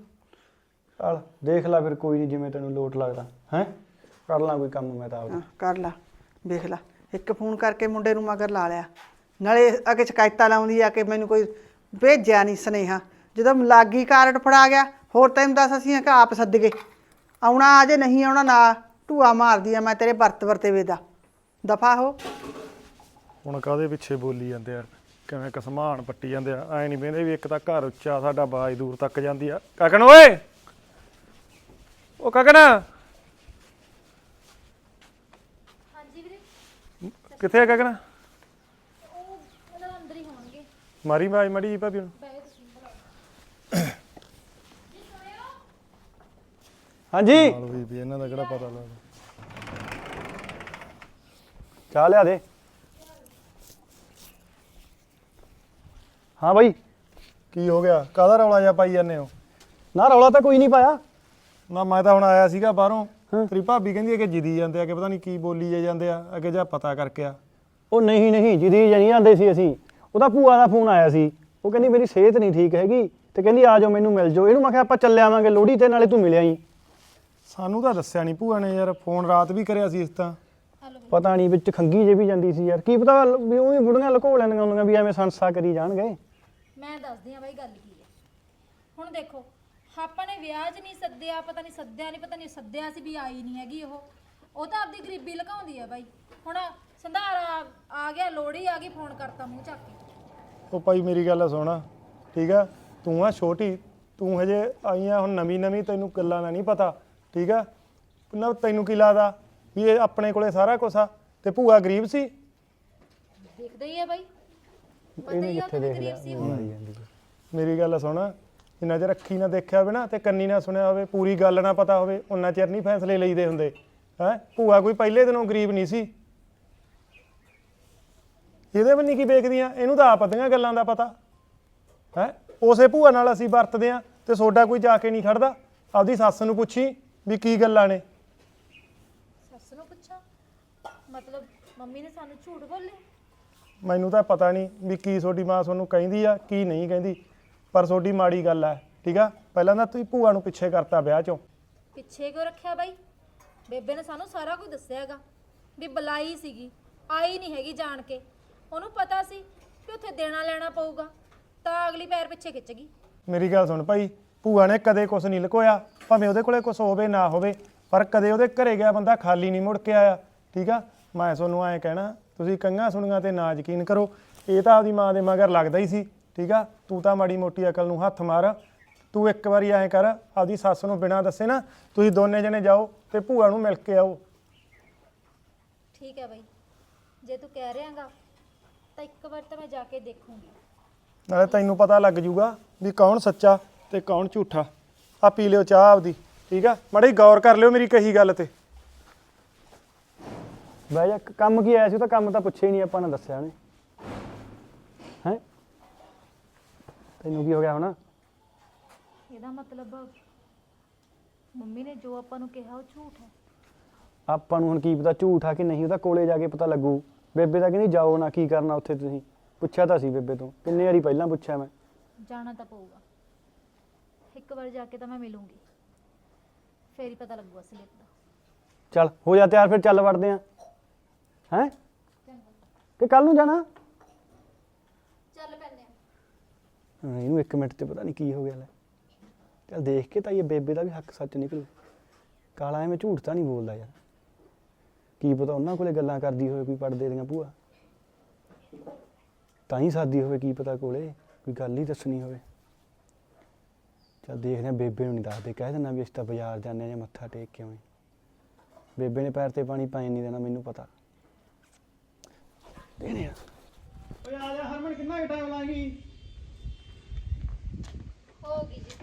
D: ਚੱਲ ਦੇਖ ਲੈ ਫਿਰ, ਕੋਈ ਨਹੀਂ, ਜਿਵੇਂ ਤੈਨੂੰ ਲੋਟ ਲੱਗਦਾ ਹੈ, ਕਰ ਲਾਂ ਕੋਈ ਕੰਮ ਮੈਂ ਤਾਂ ਆਪਦਾ।
E: ਹਾਂ ਕਰ ਲਾ, ਵੇਖ ਲਾ। ਇੱਕ ਫੋਨ ਕਰਕੇ ਮੁੰਡੇ ਨੂੰ ਮਗਰ ਲਾ ਲਿਆ, ਨਾਲੇ ਅੱਗੇ ਸ਼ਿਕਾਇਤਾਂ ਲਾਉਂਦੀ ਆ ਕਿ ਮੈਨੂੰ ਕੋਈ ਭੇਜਿਆ ਨਹੀਂ ਸੁਨੇਹਾ। ਜਦੋਂ ਲਾਗੀ ਕਾਰਡ ਫੜਾ ਗਿਆ, ਹੋਰ ਤੈਨੂੰ ਦੱਸ ਅਸੀਂ ਕਿ ਆਪ ਸੱਦ ਗਏ। ਆਉਣਾ ਆ ਜੇ ਨਹੀਂ ਆਉਣਾ ਨਾ, ਢੂਆ ਮਾਰਦੀ ਆ ਮੈਂ ਤੇਰੇ ਵਰਤ ਵਰਤੇਵੇ ਦਾ। ਦਫਾ ਹੋ।
F: ਹੁਣ ਕਾਹਦੇ ਪਿੱਛੇ ਬੋਲੀ ਜਾਂਦੇ ਆ, ਕਿਵੇਂ ਕਸਮਾਨ ਪੱਟੀ ਜਾਂਦੇ ਆ। ਐ ਨਹੀਂ ਵੇਂਦੇ ਵੀ ਇੱਕ ਤਾਂ ਘਰ ਉੱਚਾ, ਸਾਡਾ ਆਵਾਜ਼ ਦੂਰ ਤੱਕ ਜਾਂਦੀ ਆ। ਕਕਨ ਓਏ, ਉਹ ਕਕਨ,
C: ਹਾਂਜੀ ਵੀਰੇ।
F: ਕਿੱਥੇ ਆ ਕਕਨ?
C: ਉਹ ਉਹਨਾਂ ਦੇ ਅੰਦਰ ਹੀ ਹੋਣਗੇ।
F: ਮਾਰੀ ਆਵਾਜ਼ ਮੜੀ ਜੀ ਭਾਬੀ ਨੂੰ।
C: ਬੈ ਤੁਸੀਂ ਬੁਲਾਓ।
D: ਹਾਂਜੀ
F: ਨਾਲ ਹੋਈ ਵੀ ਇਹਨਾਂ ਦਾ ਕਿਹੜਾ ਪਤਾ ਲੱਗਦਾ।
D: ਚਾਹ ਲਿਆ ਦੇ। ਹਾਂ ਬਾਈ।
F: ਕੀ ਹੋ ਗਿਆ? ਕਾਹਦਾ ਰੌਲਾ ਜਿਹਾ ਪਾਈ ਜਾਂਦੇ ਹੋ?
D: ਨਾ ਰੌਲਾ ਤਾਂ ਕੋਈ ਨਹੀਂ ਪਾਇਆ।
F: ਨਾ ਮੈਂ ਤਾਂ ਹੁਣ ਆਇਆ ਸੀਗਾ ਬਾਹਰੋਂ,
D: ਹਾਂ।
F: ਤੇਰੀ ਭਾਬੀ ਕਹਿੰਦੀ ਹੈ ਕਿ ਜਿੱਦੀ ਜਾਂਦੇ ਆ ਕਿ ਪਤਾ ਨਹੀਂ ਕੀ ਬੋਲੀ ਜਾਂਦੇ ਆ, ਅੱਗੇ ਜਾ ਪਤਾ ਕਰਕੇ ਆ।
D: ਉਹ ਨਹੀਂ ਜਿਹਦੀ ਜਣੀ ਜਾਂਦੇ ਸੀ ਅਸੀਂ, ਉਹਦਾ ਭੂਆ ਦਾ ਫੋਨ ਆਇਆ ਸੀ। ਉਹ ਕਹਿੰਦੀ ਮੇਰੀ ਸਿਹਤ ਨਹੀਂ ਠੀਕ ਹੈਗੀ ਤੇ ਕਹਿੰਦੀ ਆ ਜਾਓ ਮੈਨੂੰ ਮਿਲ ਜਾਓ। ਇਹਨੂੰ ਮੈਂ ਕਿਹਾ ਆਪਾਂ ਚੱਲੇ ਆਵਾਂਗੇ ਲੋਹੜੀ ਤੇ, ਨਾਲੇ ਤੂੰ ਮਿਲਿਆ ਹੀ।
F: ਸਾਨੂੰ ਤਾਂ ਦੱਸਿਆ ਨਹੀਂ ਭੂਆ ਨੇ ਯਾਰ, ਫੋਨ ਰਾਤ ਵੀ ਕਰਿਆ ਸੀ ਇਸ ਤਾਂ।
D: ਪਤਾ ਨਹੀਂ ਵਿੱਚ ਖੰਗੀ ਜੇ ਵੀ ਜਾਂਦੀ ਸੀ ਯਾਰ, ਕੀ ਪਤਾ ਵੀ ਉਹ ਵੀ ਬੁੜੀਆਂ ਲੁਕੋ ਲੈਂਦੀਆਂ ਹੁੰਦੀਆਂ ਵੀ ਐਵੇਂ ਸੰਸਾ ਕਰੀ ਜਾਣਗੇ।
C: ਮੈਂ ਦੱਸਦੀ ਆ ਬਾਈ ਗੱਲ ਕੀ ਹੈ। ਹੁਣ ਦੇਖੋ ਆਪਾਂ ਨੇ ਵਿਆਹ 'ਚ ਨਹੀਂ ਸੱਦਿਆ, ਪਤਾ ਨਹੀਂ ਸੱਦਿਆ ਨਹੀਂ, ਪਤਾ ਨਹੀਂ ਸੱਦਿਆ ਸੀ ਵੀ ਆਈ ਨਹੀਂ ਹੈਗੀ ਉਹ ਤਾਂ ਆਪਦੀ ਗਰੀਬੀ ਲੁਕਾਉਂਦੀ ਆ ਬਾਈ। ਹੁਣ ਸੰਧਾਰਾ ਆ ਗਿਆ, ਲੋਹੜੀ ਆ ਗਈ, ਫੋਨ ਕਰਤਾ ਮੂੰਹ ਚੱਕ ਕੇ।
F: ਉਹ ਭਾਈ ਮੇਰੀ ਗੱਲ ਸੁਣ, ਠੀਕ ਆ? ਤੂੰ ਆ ਛੋਟੀ, ਤੂੰ ਹਜੇ ਆਈ ਆ ਹੁਣ ਨਵੀਂ, ਤੈਨੂੰ ਗੱਲਾਂ ਦਾ ਨਹੀਂ ਪਤਾ, ਠੀਕ ਆ? ਨਾ ਤੈਨੂੰ ਕੀ ਲੱਗਦਾ ਵੀ ਇਹ ਆਪਣੇ ਕੋਲੇ ਸਾਰਾ ਕੁਛ ਆ ਤੇ ਭੂਆ ਗਰੀਬ ਸੀ?
C: ਦੇਖਦਾ ਹੀ ਆ ਬਾਈ, ਪਤਾ
D: ਇਹਨੇ
C: ਹੀ ਆ
D: ਕਿੱਥੇ
C: ਉਹ
D: ਦੇਖ
C: ਗਰੀਬ ਸੀ
D: ਲਿਆ।
C: ਉਹ।
F: ਮੇਰੀ ਗੱਲ ਸੁਣ, ਜਿੰਨਾ ਚਿਰ ਅੱਖੀ ਨਾ ਦੇਖਿਆ ਹੋਵੇ ਨਾ ਤੇ ਕੰਨੀ ਨਾ ਸੁਣਿਆ ਹੋਵੇ, ਪੂਰੀ ਗੱਲ ਨਾ ਪਤਾ ਹੋਵੇ, ਉਹਨਾਂ ਚਿਰ ਨਹੀਂ ਫੈਸਲੇ ਲਈਦੇ ਹੁੰਦੇ ਹੈ। ਭੂਆ ਕੋਈ ਪਹਿਲੇ ਦਿਨੋਂ ਗਰੀਬ ਨਹੀਂ ਸੀ। ਇਹਦੇ ਵੀ ਨਹੀਂ ਕੀ ਵੇਖਦੀਆਂ, ਇਹਨੂੰ ਤਾਂ ਆਪ ਅੱਧੀਆਂ ਗੱਲਾਂ ਦਾ ਪਤਾ ਹੈ। ਉਸੇ ਭੂਆ ਨਾਲ ਅਸੀਂ ਵਰਤਦੇ ਆ ਤੇ ਸੋਡਾ ਕੋਈ ਜਾ ਕੇ ਨਹੀਂ ਖੜਦਾ। ਆਪਦੀ ਸੱਸ ਨੂੰ ਪੁੱਛੀ ਵੀ ਕੀ ਗੱਲਾਂ ਨੇ।
C: ਸੱਸ ਨੂੰ ਪੁੱਛਾਂ ਮਤਲਬ ਮੰਮੀ ਨੇ ਸਾਨੂੰ ਝੂਠ ਬੋਲੇ?
F: ਮੈਨੂੰ ਤਾਂ ਪਤਾ ਨਹੀਂ ਵੀ ਕੀ ਤੁਹਾਡੀ ਮਾਂ ਤੁਹਾਨੂੰ ਕਹਿੰਦੀ ਆ ਕੀ ਨਹੀਂ ਕਹਿੰਦੀ, ਪਰ ਤੁਹਾਡੀ ਮਾੜੀ ਗੱਲ ਆ, ਠੀਕ ਆ? ਪਹਿਲਾਂ ਤਾਂ ਤੁਸੀਂ ਭੂਆ ਨੂੰ ਪਿੱਛੇ ਕਰਤਾ ਵਿਆਹ ਚੋਂ।
C: ਪਿੱਛੇ ਕਿਉਂ ਰੱਖਿਆ ਬਾਈ? ਬੇਬੇ ਨੇ ਸਾਨੂੰ ਸਾਰਾ ਕੁਝ ਦੱਸਿਆ ਹੈਗਾ ਵੀ ਬੁਲਾਈ ਸੀਗੀ, ਆਈ ਨਹੀਂ ਹੈਗੀ ਜਾਣ ਕੇ। ਉਹਨੂੰ ਪਤਾ ਸੀ ਕਿ ਉੱਥੇ ਦੇਣਾ ਲੈਣਾ ਪਊਗਾ, ਤਾਂ ਅਗਲੀ ਪੈਰ ਪਿੱਛੇ ਖਿੱਚ ਗਈ।
F: ਮੇਰੀ ਗੱਲ ਸੁਣ ਭਾਈ, ਭੂਆ ਨੇ ਕਦੇ ਕੁਛ ਨਹੀਂ ਲੁਕੋਇਆ, ਭਾਵੇਂ ਉਹਦੇ ਕੋਲੇ ਕੁਛ ਹੋਵੇ ਨਾ ਹੋਵੇ, ਪਰ ਕਦੇ ਉਹਦੇ ਘਰੇ ਗਿਆ ਬੰਦਾ ਖਾਲੀ ਨਹੀਂ ਮੁੜ ਕੇ ਆਇਆ, ਠੀਕ ਆ? ਮੈਂ ਤੁਹਾਨੂੰ ਐਂ ਕਹਿਣਾ, ਤੁਸੀਂ ਕੰਗਾਂ ਸੁਣੀਆਂ ਤੇ ਨਾ ਯਕੀਨ ਕਰੋ। ਇਹ ਤਾਂ ਆਪਦੀ ਮਾਂ ਦੇ ਮਗਰ ਲੱਗਦਾ ਹੀ ਸੀ, ਠੀਕ ਆ? ਤੂੰ ਤਾਂ ਮਾੜੀ ਮੋਟੀ ਅਕਲ ਨੂੰ ਹੱਥ ਮਾਰ। ਤੂੰ ਇੱਕ ਵਾਰੀ ਐਂ ਕਰ, ਆਪਦੀ ਸੱਸ ਨੂੰ ਬਿਨਾਂ ਦੱਸੇ ਨਾ ਤੁਸੀਂ ਦੋਨੇ ਜਣੇ ਜਾਓ ਤੇ ਭੂਆ ਨੂੰ ਮਿਲ ਕੇ ਆਓ।
C: ਠੀਕ ਹੈ ਬਾਈ, ਜੇ ਤੂੰ ਕਹਿ ਰਿਹਾਗਾ ਤਾਂ ਇੱਕ ਵਾਰ ਤਾਂ ਮੈਂ ਜਾ ਕੇ ਦੇਖੂੰਗੀ।
F: ਨਾਲੇ ਤੈਨੂੰ ਪਤਾ ਲੱਗ ਜੂਗਾ ਵੀ ਕੌਣ ਸੱਚਾ ਤੇ ਕੌਣ ਝੂਠਾ। ਆ ਪੀ ਲਿਓ ਚਾਹ ਆਪਦੀ, ਠੀਕ ਆ? ਮਾੜੀ ਗੌਰ ਕਰ ਲਿਓ ਮੇਰੀ ਕਹੀ ਗੱਲ ਤੇ।
D: ਬਹਿ ਜਾ। ਕੰਮ ਕੀ ਆਇਆ ਸੀ? ਉਹ ਤਾਂ ਕੰਮ ਤਾਂ ਪੁੱਛਿਆ ਹੀ ਨਹੀਂ ਆਪਾਂ ਨੇ, ਦੱਸਿਆ ਨੇ ਹੈ। ਤੈਨੂੰ ਕੀ ਹੋ ਗਿਆ ਹੁਣ?
C: ਇਹਦਾ ਮਤਲਬ ਮੰਮੀ ਨੇ ਜੋ ਆਪਾਂ ਨੂੰ ਕਿਹਾ ਉਹ ਝੂਠ ਹੈ।
D: ਆਪਾਂ ਨੂੰ ਹੁਣ ਕੀ ਪਤਾ ਝੂਠ ਆ ਕਿ ਨਹੀਂ, ਉਹਦਾ ਕੋਲੇ ਜਾ ਕੇ ਪਤਾ ਲੱਗੂ। ਬੇਬੇ ਤਾਂ ਕਹਿੰਦੀ ਜਾਓ ਨਾ, ਕੀ ਕਰਨਾ ਉੱਥੇ ਤੁਸੀਂ? ਪੁੱਛਿਆ ਤਾਂ ਸੀ ਬੇਬੇ ਤੋਂ, ਕਿੰਨੇ ਵਾਰੀ ਪਹਿਲਾਂ ਪੁੱਛਿਆ ਮੈਂ।
C: ਜਾਣਾ ਤਾਂ ਪਊਗਾ, ਇੱਕ ਵਾਰ ਜਾ ਕੇ ਤਾਂ ਮੈਂ ਮਿਲੂੰਗੀ, ਫੇਰ ਹੀ ਪਤਾ ਲੱਗੂ ਅਸਲੀਅਤ ਦਾ।
D: ਚੱਲ ਹੋ ਜਾ ਤਿਆਰ, ਫਿਰ ਚੱਲ ਵੜਦੇ ਆ। ਹੈ ਕਿ ਕੱਲ ਨੂੰ ਜਾਣਾ?
C: ਚੱਲ ਪੈਂਦੇ ਆ।
D: ਇਹਨੂੰ 1 ਮਿੰਟ ਤੇ ਪਤਾ ਨਹੀਂ ਕੀ ਹੋ ਗਿਆ ਲੈ। ਚੱਲ ਦੇਖ ਕੇ ਤਾਂ ਇਹ ਬੇਬੇ ਦਾ ਵੀ ਹੱਕ ਸੱਚ ਨਿਕਲੂ। ਕਾਲਾ ਐਵੇਂ ਝੂਠ ਤਾਂ ਨਹੀਂ ਬੋਲਦਾ ਯਾਰ। ਕੀ ਪਤਾ ਉਹਨਾਂ ਕੋਲੇ ਗੱਲਾਂ ਕਰਦੀ ਹੋਵੇ ਕੋਈ ਪੜਦੇ ਦੀਆਂ ਭੂਆ, ਤਾਂ ਹੀ ਸਾਦੀ ਹੋਵੇ। ਕੀ ਪਤਾ ਕੋਲੇ ਕੋਈ ਗੱਲ ਹੀ ਦੱਸਣੀ ਹੋਵੇ। ਚੱਲ ਦੇਖਦੇ ਆ, ਬੇਬੇ ਨੂੰ ਨਹੀਂ ਦੱਸਦੇ, ਕਹਿ ਦਿੰਦਾ ਵੀ ਅਸੀਂ ਤਾਂ ਬਾਜ਼ਾਰ ਜਾਂਦੇ ਆ ਜਾਂ ਮੱਥਾ ਟੇਕ ਕੇ ਆਉਂ। ਬੇਬੇ ਨੇ ਪੈਰ ਤੇ ਪਾਣੀ ਪਾਏ ਨਹੀਂ ਦੇਣਾ, ਮੈਨੂੰ ਪਤਾ। ਦੇਣੇ ਆ। ਓਏ ਆ ਜਾ ਹਰਮਨ, ਕਿੰਨਾ ਕੁ ਟਾਈਮ ਲਾਂਗੀ?
C: ਹੋਗੀ ਜੀ।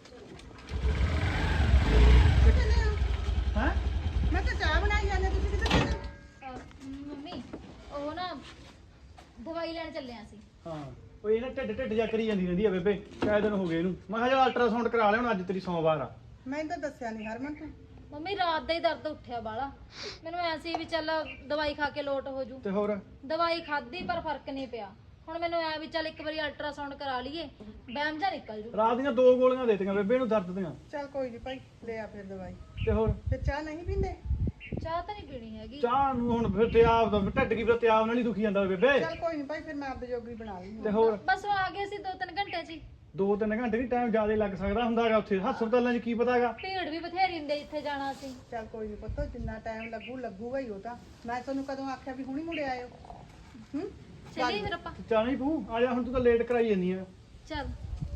D: ਹੈ
E: ਮੈਂ ਤਾਂ ਚਾਹ ਬਣਾਈ ਜਾਂਦੇ, ਤੁਸੀਂ ਕਿੱਥੇ ਚੱਲੇ?
C: ਮੰਮੀ ਉਹ ਨਾ ਦਵਾਈ ਲੈਣ ਚੱਲੇ ਆਂ ਅਸੀਂ।
D: ਹਾਂ, ਓਏ ਇਹ ਨਾ ਢਿੱਡ ਜਾ ਕਰੀ ਜਾਂਦੀ ਰਹਿੰਦੀ ਆ ਬੇਬੇ, ਕਾਹ ਦਿਨ ਹੋ ਗਏ ਇਹਨੂੰ। ਮੈਂ ਕਿਹਾ ਚੱਲ ਅਲਟਰਾਸਾਊਂਡ ਕਰਾ ਲਿਆ, ਹੁਣ ਅੱਜ ਤੇਰੀ ਸੋਮਵਾਰ ਆ।
E: ਮੈਨੂੰ ਤਾਂ ਦੱਸਿਆ ਨਹੀਂ ਹਰਮਨ ਤੂੰ।
C: ਮੰਮੀ ਰਾਤ ਦਾ ਹੀ ਦਰਦ ਉੱਠਿਆ ਬਾਲਾ, ਮੈਨੂੰ ਐ ਸੀ ਵੀ ਚੱਲ ਦਵਾਈ ਖਾ ਕੇ ਲੋਟ ਹੋ ਜੂ।
D: ਤੇ ਹੋਰ
C: ਦਵਾਈ ਖਾਧੀ ਪਰ ਫਰਕ ਨਹੀਂ ਪਿਆ। ਹੁਣ ਮੈਨੂੰ ਐ ਵੀ ਚੱਲ ਇੱਕ ਵਾਰੀ ਅਲਟਰਾਸਾਊਂਡ ਕਰਾ ਲਈਏ, ਬੈਮ ਜਾ ਨਿਕਲ ਜੂ।
D: ਰਾਤ ਦੀਆਂ 2 ਗੋਲੀਆਂ ਦੇ ਦਿੱਤੀਆਂ ਬੇਬੇ ਨੂੰ ਦਰਦ ਦੀਆਂ।
E: ਚੱਲ ਕੋਈ ਨਹੀਂ ਭਾਈ, ਲੈ ਆ ਫਿਰ ਦਵਾਈ।
D: ਤੇ ਹੋਰ
E: ਫਿਰ ਚਾਹ ਨਹੀਂ ਪੀਂਦੇ?
C: ਚਾਹ ਤਾਂ ਨਹੀਂ ਪੀਣੀ ਹੈਗੀ।
D: ਚਾਹ ਨੂੰ ਹੁਣ ਫਿਰ ਤੇ ਆਪ ਦਾ ਢਿੱਡ ਕੀ ਫਿਰ ਤੇ ਆਪ ਨਾਲ ਹੀ ਦੁਖੀ ਜਾਂਦਾ ਬੇਬੇ।
E: ਚੱਲ ਕੋਈ ਨਹੀਂ ਭਾਈ, ਫਿਰ ਮੈਂ ਆਪਦੇ ਜੋਗੀ ਬਣਾ ਲਈ।
D: ਤੇ ਹੋਰ
C: ਬਸ ਉਹ ਆ ਗਏ ਸੀ 2-3 ਘੰਟੇ 'ਚ ਹੀ।
D: 2-3 ਘੰਟੇ ਨਹੀਂ, ਟਾਈਮ ਜ਼ਿਆਦਾ ਲੱਗ ਸਕਦਾ ਹੁੰਦਾਗਾ ਉੱਥੇ ਹਸਪਤਾਲਾਂ 'ਚ, ਕੀ ਪਤਾਗਾ।
C: ਭੀੜ ਵੀ ਬਥੇਰੀ ਹੁੰਦੀ ਜਿੱਥੇ ਜਾਣਾ ਸੀ।
E: ਚੱਲ ਕੋਈ ਨਹੀਂ ਪੁੱਤ, ਜਿੰਨਾ ਟਾਈਮ ਲੱਗੂਗਾ ਹੀ। ਉਹ ਤਾਂ ਮੈਂ ਤੁਹਾਨੂੰ ਕਦੋਂ ਆਖਿਆ ਵੀ ਹੁਣੀ ਮੁੜੇ ਆਇਓ?
C: ਚੱਲੀਏ ਫਿਰ ਆਪਾਂ।
D: ਚੱਲ ਨਹੀਂ ਤੂੰ ਆ ਜਾ, ਹੁਣ ਤੂੰ ਤਾਂ ਲੇਟ ਕਰਾਈ ਜਾਂਦੀ ਆ।
C: ਚੱਲ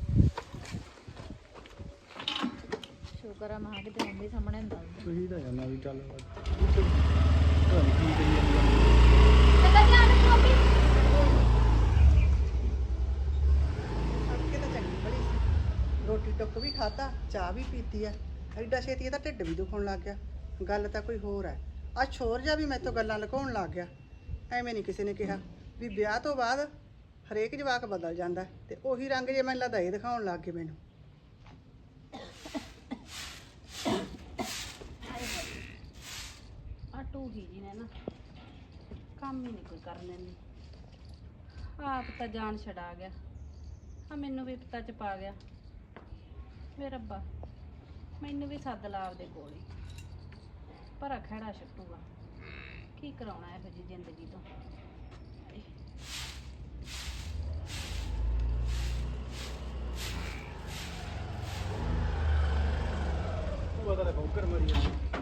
C: ਸ਼ੁਕਰ ਆ ਮਾਂ ਕਿਤੇ ਮੰਮੀ ਸਾਹਮਣੇ ਹੁੰਦਾ।
D: ਤੁਸੀਂ ਤਾਂ ਜਾਨਾ ਵੀ ਚੱਲ
C: ਚੰਗਾ ਧਿਆਨ ਰੱਖੋ ਮੰਮੀ।
E: ਸੜਕੇ ਤਾਂ ਚੰਗੀ ਬੜੀ ਸੀ, ਰੋਟੀ ਟੁੱਕ ਵੀ ਖਾਤਾ, ਚਾਹ ਵੀ ਪੀਤੀ ਆ। ਐਡਾ ਛੇਤੀ ਇਹਦਾ ਢਿੱਡ ਵੀ ਦੁਖਣ ਲੱਗ ਗਿਆ। ਗੱਲ ਤਾਂ ਕੋਈ ਹੋਰ ਹੈ। ਆ ਛੋਰ ਜਾ ਵੀ ਮੈਥੋਂ ਗੱਲਾਂ ਲੁਕਾਉਣ ਲੱਗ ਗਿਆ। ਐਵੇਂ ਨਹੀਂ ਕਿਸੇ ਨੇ ਕਿਹਾ ਵੀ ਵਿਆਹ ਤੋਂ ਬਾਅਦ ਹਰੇਕ ਜਵਾਕ ਬਦਲ ਜਾਂਦਾ ਹੈ ਤੇ ਉਹੀ ਰੰਗ ਜੇ ਮੈਨੂੰ ਲੱਗਦਾ ਇਹ ਦਿਖਾਉਣ ਲੱਗ ਗਏ ਮੈਨੂੰ।
A: ਆ ਟੂਹੀ ਜੀ ਨੇ ਨਾ ਕੰਮ ਹੀ ਨਹੀਂ ਕੋਈ ਕਰ ਲੈਂਦੀ। ਆਪ ਤਾਂ ਜਾਨ ਛਡਾ ਗਿਆ, ਆ ਮੈਨੂੰ ਵੀ ਪਤਾ ਚ ਪਾ ਗਿਆ। ਵੇ ਰੱਬਾ, ਮੈਨੂੰ ਵੀ ਸੱਦ ਲਾ ਆਪਦੇ ਕੋਲ ਹੀ, ਪਰ ਖੜਾ ਛੱਟੂਗਾ। ਕੀ ਕਰਾਉਣਾ ਇਹੋ ਜਿਹੀ ਜ਼ਿੰਦਗੀ ਤੋਂ।
D: ਭੂਆ ਦਾ ਬੌਕਰ ਮਰੀ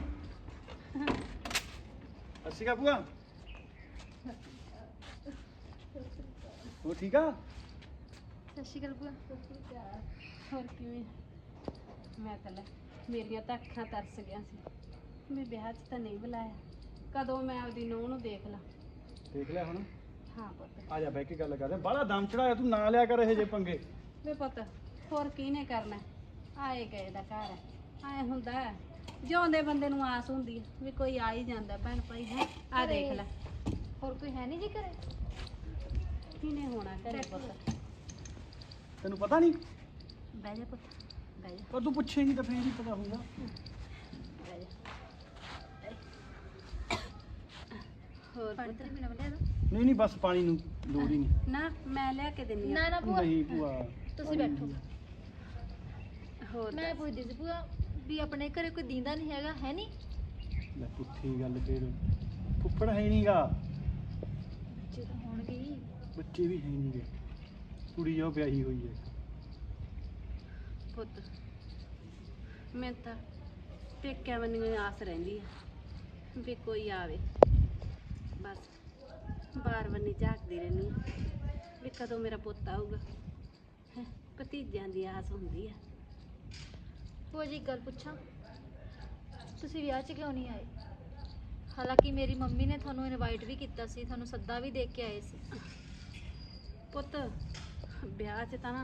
D: ਅੱਛੀ ਕਾ ਭੂਆ ਉਹ ਠੀਕ ਆ?
A: ਸਤਿ ਸ਼੍ਰੀ ਅਕਾਲ ਭੂਆ। ਹੋਰ ਕਿਵੇਂ? ਮੈਂ ਤਾਂ ਲੈ, ਮੇਰੀਆਂ ਤਾਂ ਅੱਖਾਂ ਤਰਸ ਗਿਆ ਸੀ। ਮੈਂ ਵਿਆਹ 'ਚ ਤਾਂ ਨਹੀਂ ਬੁਲਾਇਆ, ਕਦੋਂ ਮੈਂ ਆਪਦੀ ਨੂੰਹ ਨੂੰ ਦੇਖ ਲਾਂ।
D: ਦੇਖ ਲਿਆ ਹੁਣ?
A: ਹਾਂ ਪੁੱਤ।
D: ਆ ਜਾ ਬਹਿ ਕੇ ਗੱਲ ਕਰਦੇ। ਬਾਹਲਾ ਦਮ ਚੜਾਇਆ ਤੂੰ, ਨਾ ਲਿਆ ਕਰ ਇਹ ਜੇ ਪੰਗੇ।
A: ਵੇ ਪੁੱਤ, ਹੋਰ ਕਿਹਨੇ ਕਰਨਾ? ਆਏ ਗਏ ਦਾ ਘਰ ਹੈ, ਆਏ ਹੁੰਦਾ ਹੈ। ਜਿਉਂਦੇ ਬੰਦੇ ਨੂੰ ਆਸ ਹੁੰਦੀ ਹੈ ਵੀ ਕੋਈ ਆ ਹੀ ਜਾਂਦਾ ਭੈਣ ਭਾਈ ਹੈ। ਆ ਦੇਖ ਲੈ,
C: ਹੋਰ ਕੋਈ ਹੈ ਨਹੀਂ ਜੀ ਘਰੇ?
A: ਕਿਹਨੇ ਹੋਣਾ ਘਰੇ ਪੁੱਤ?
D: ਤੈਨੂੰ ਪਤਾ ਨਹੀਂ?
A: ਬਹਿ ਜਾ ਪੁੱਤ, ਬਹਿ ਜਾ,
D: ਪਰ ਤੂੰ ਪੁੱਛੇਂਗੀ ਤਾਂ ਫੇਰ ਹੀ ਪਤਾ ਹੋਊਗਾ।
A: ਬਹਿ ਜਾ। ਹੋਰ
C: ਪਾਣੀ
A: ਪੁੱਤ?
C: ਤੇ ਮੈਨੂੰ ਲਿਆ ਦੋ।
D: ਨਹੀਂ ਨਹੀਂ, ਬਸ ਪਾਣੀ ਨੂੰ ਲੋੜ ਹੀ ਨਹੀਂ।
A: ਨਾ ਮੈਂ ਲਿਆ ਕੇ ਦਿੰਦੀ
C: ਨਾ
A: ਹਾਂ।
C: ਨਾ ਭੂਆ,
D: ਨਹੀਂ ਭੂਆ,
C: ਤੁਸੀਂ ਬੈਠੋ।
A: ਹੋਰ
C: ਮੈਂ
A: ਦੱਸ।
C: ਪੁੱਛਦੀ ਸੀ ਭੂਆ ਵੀ ਆਪਣੇ ਘਰੇ ਕੋਈ ਦੀਂਦਾ ਨਹੀਂ ਹੈਗਾ, ਹੈ ਨਹੀਂ?
D: ਲੈ ਪੁੱਠੀ ਗੱਲ ਫੇਰ। ਫੁੱਫੜ ਹੈ ਨਹੀਂਗਾ,
C: ਬੱਚੇ ਤਾਂ ਹੋਣਗੇ ਹੀ।
D: ਬੱਚੇ ਵੀ ਹੈ ਨਹੀਂਗੇ, ਕੁੜੀ ਉਹ ਵਿਆਹੀ ਹੋਈ ਹੈ।
A: ਪੁੱਤ, ਮੈਂ ਤਾਂ ਪੇਕਿਆਂ ਵੱਲੋਂ ਆਸ ਰਹਿੰਦੀ ਆ ਵੀ ਕੋਈ ਆਵੇ। ਬਸ ਬਾਰ ਬੰਨੀ ਝਾਕਦੀ ਰਹਿੰਦੀ ਆ ਵੀ ਕਦੋਂ ਮੇਰਾ ਪੁੱਤ ਆਊਗਾ। ਹੈਂ, ਭਤੀਜਿਆਂ ਦੀ ਆਸ ਹੁੰਦੀ ਆ।
C: ਭੂਆ ਜੀ ਇੱਕ ਗੱਲ ਪੁੱਛਾਂ, ਤੁਸੀਂ ਵਿਆਹ 'ਚ ਕਿਉਂ ਨਹੀਂ ਆਏ? ਹਾਲਾਂਕਿ ਮੇਰੀ ਮੰਮੀ ਨੇ ਤੁਹਾਨੂੰ ਇਨਵਾਈਟ ਵੀ ਕੀਤਾ ਸੀ, ਤੁਹਾਨੂੰ ਸੱਦਾ ਵੀ ਦੇ ਕੇ ਆਏ ਸੀ।
A: ਪੁੱਤ ਵਿਆਹ 'ਚ ਤਾਂ ਨਾ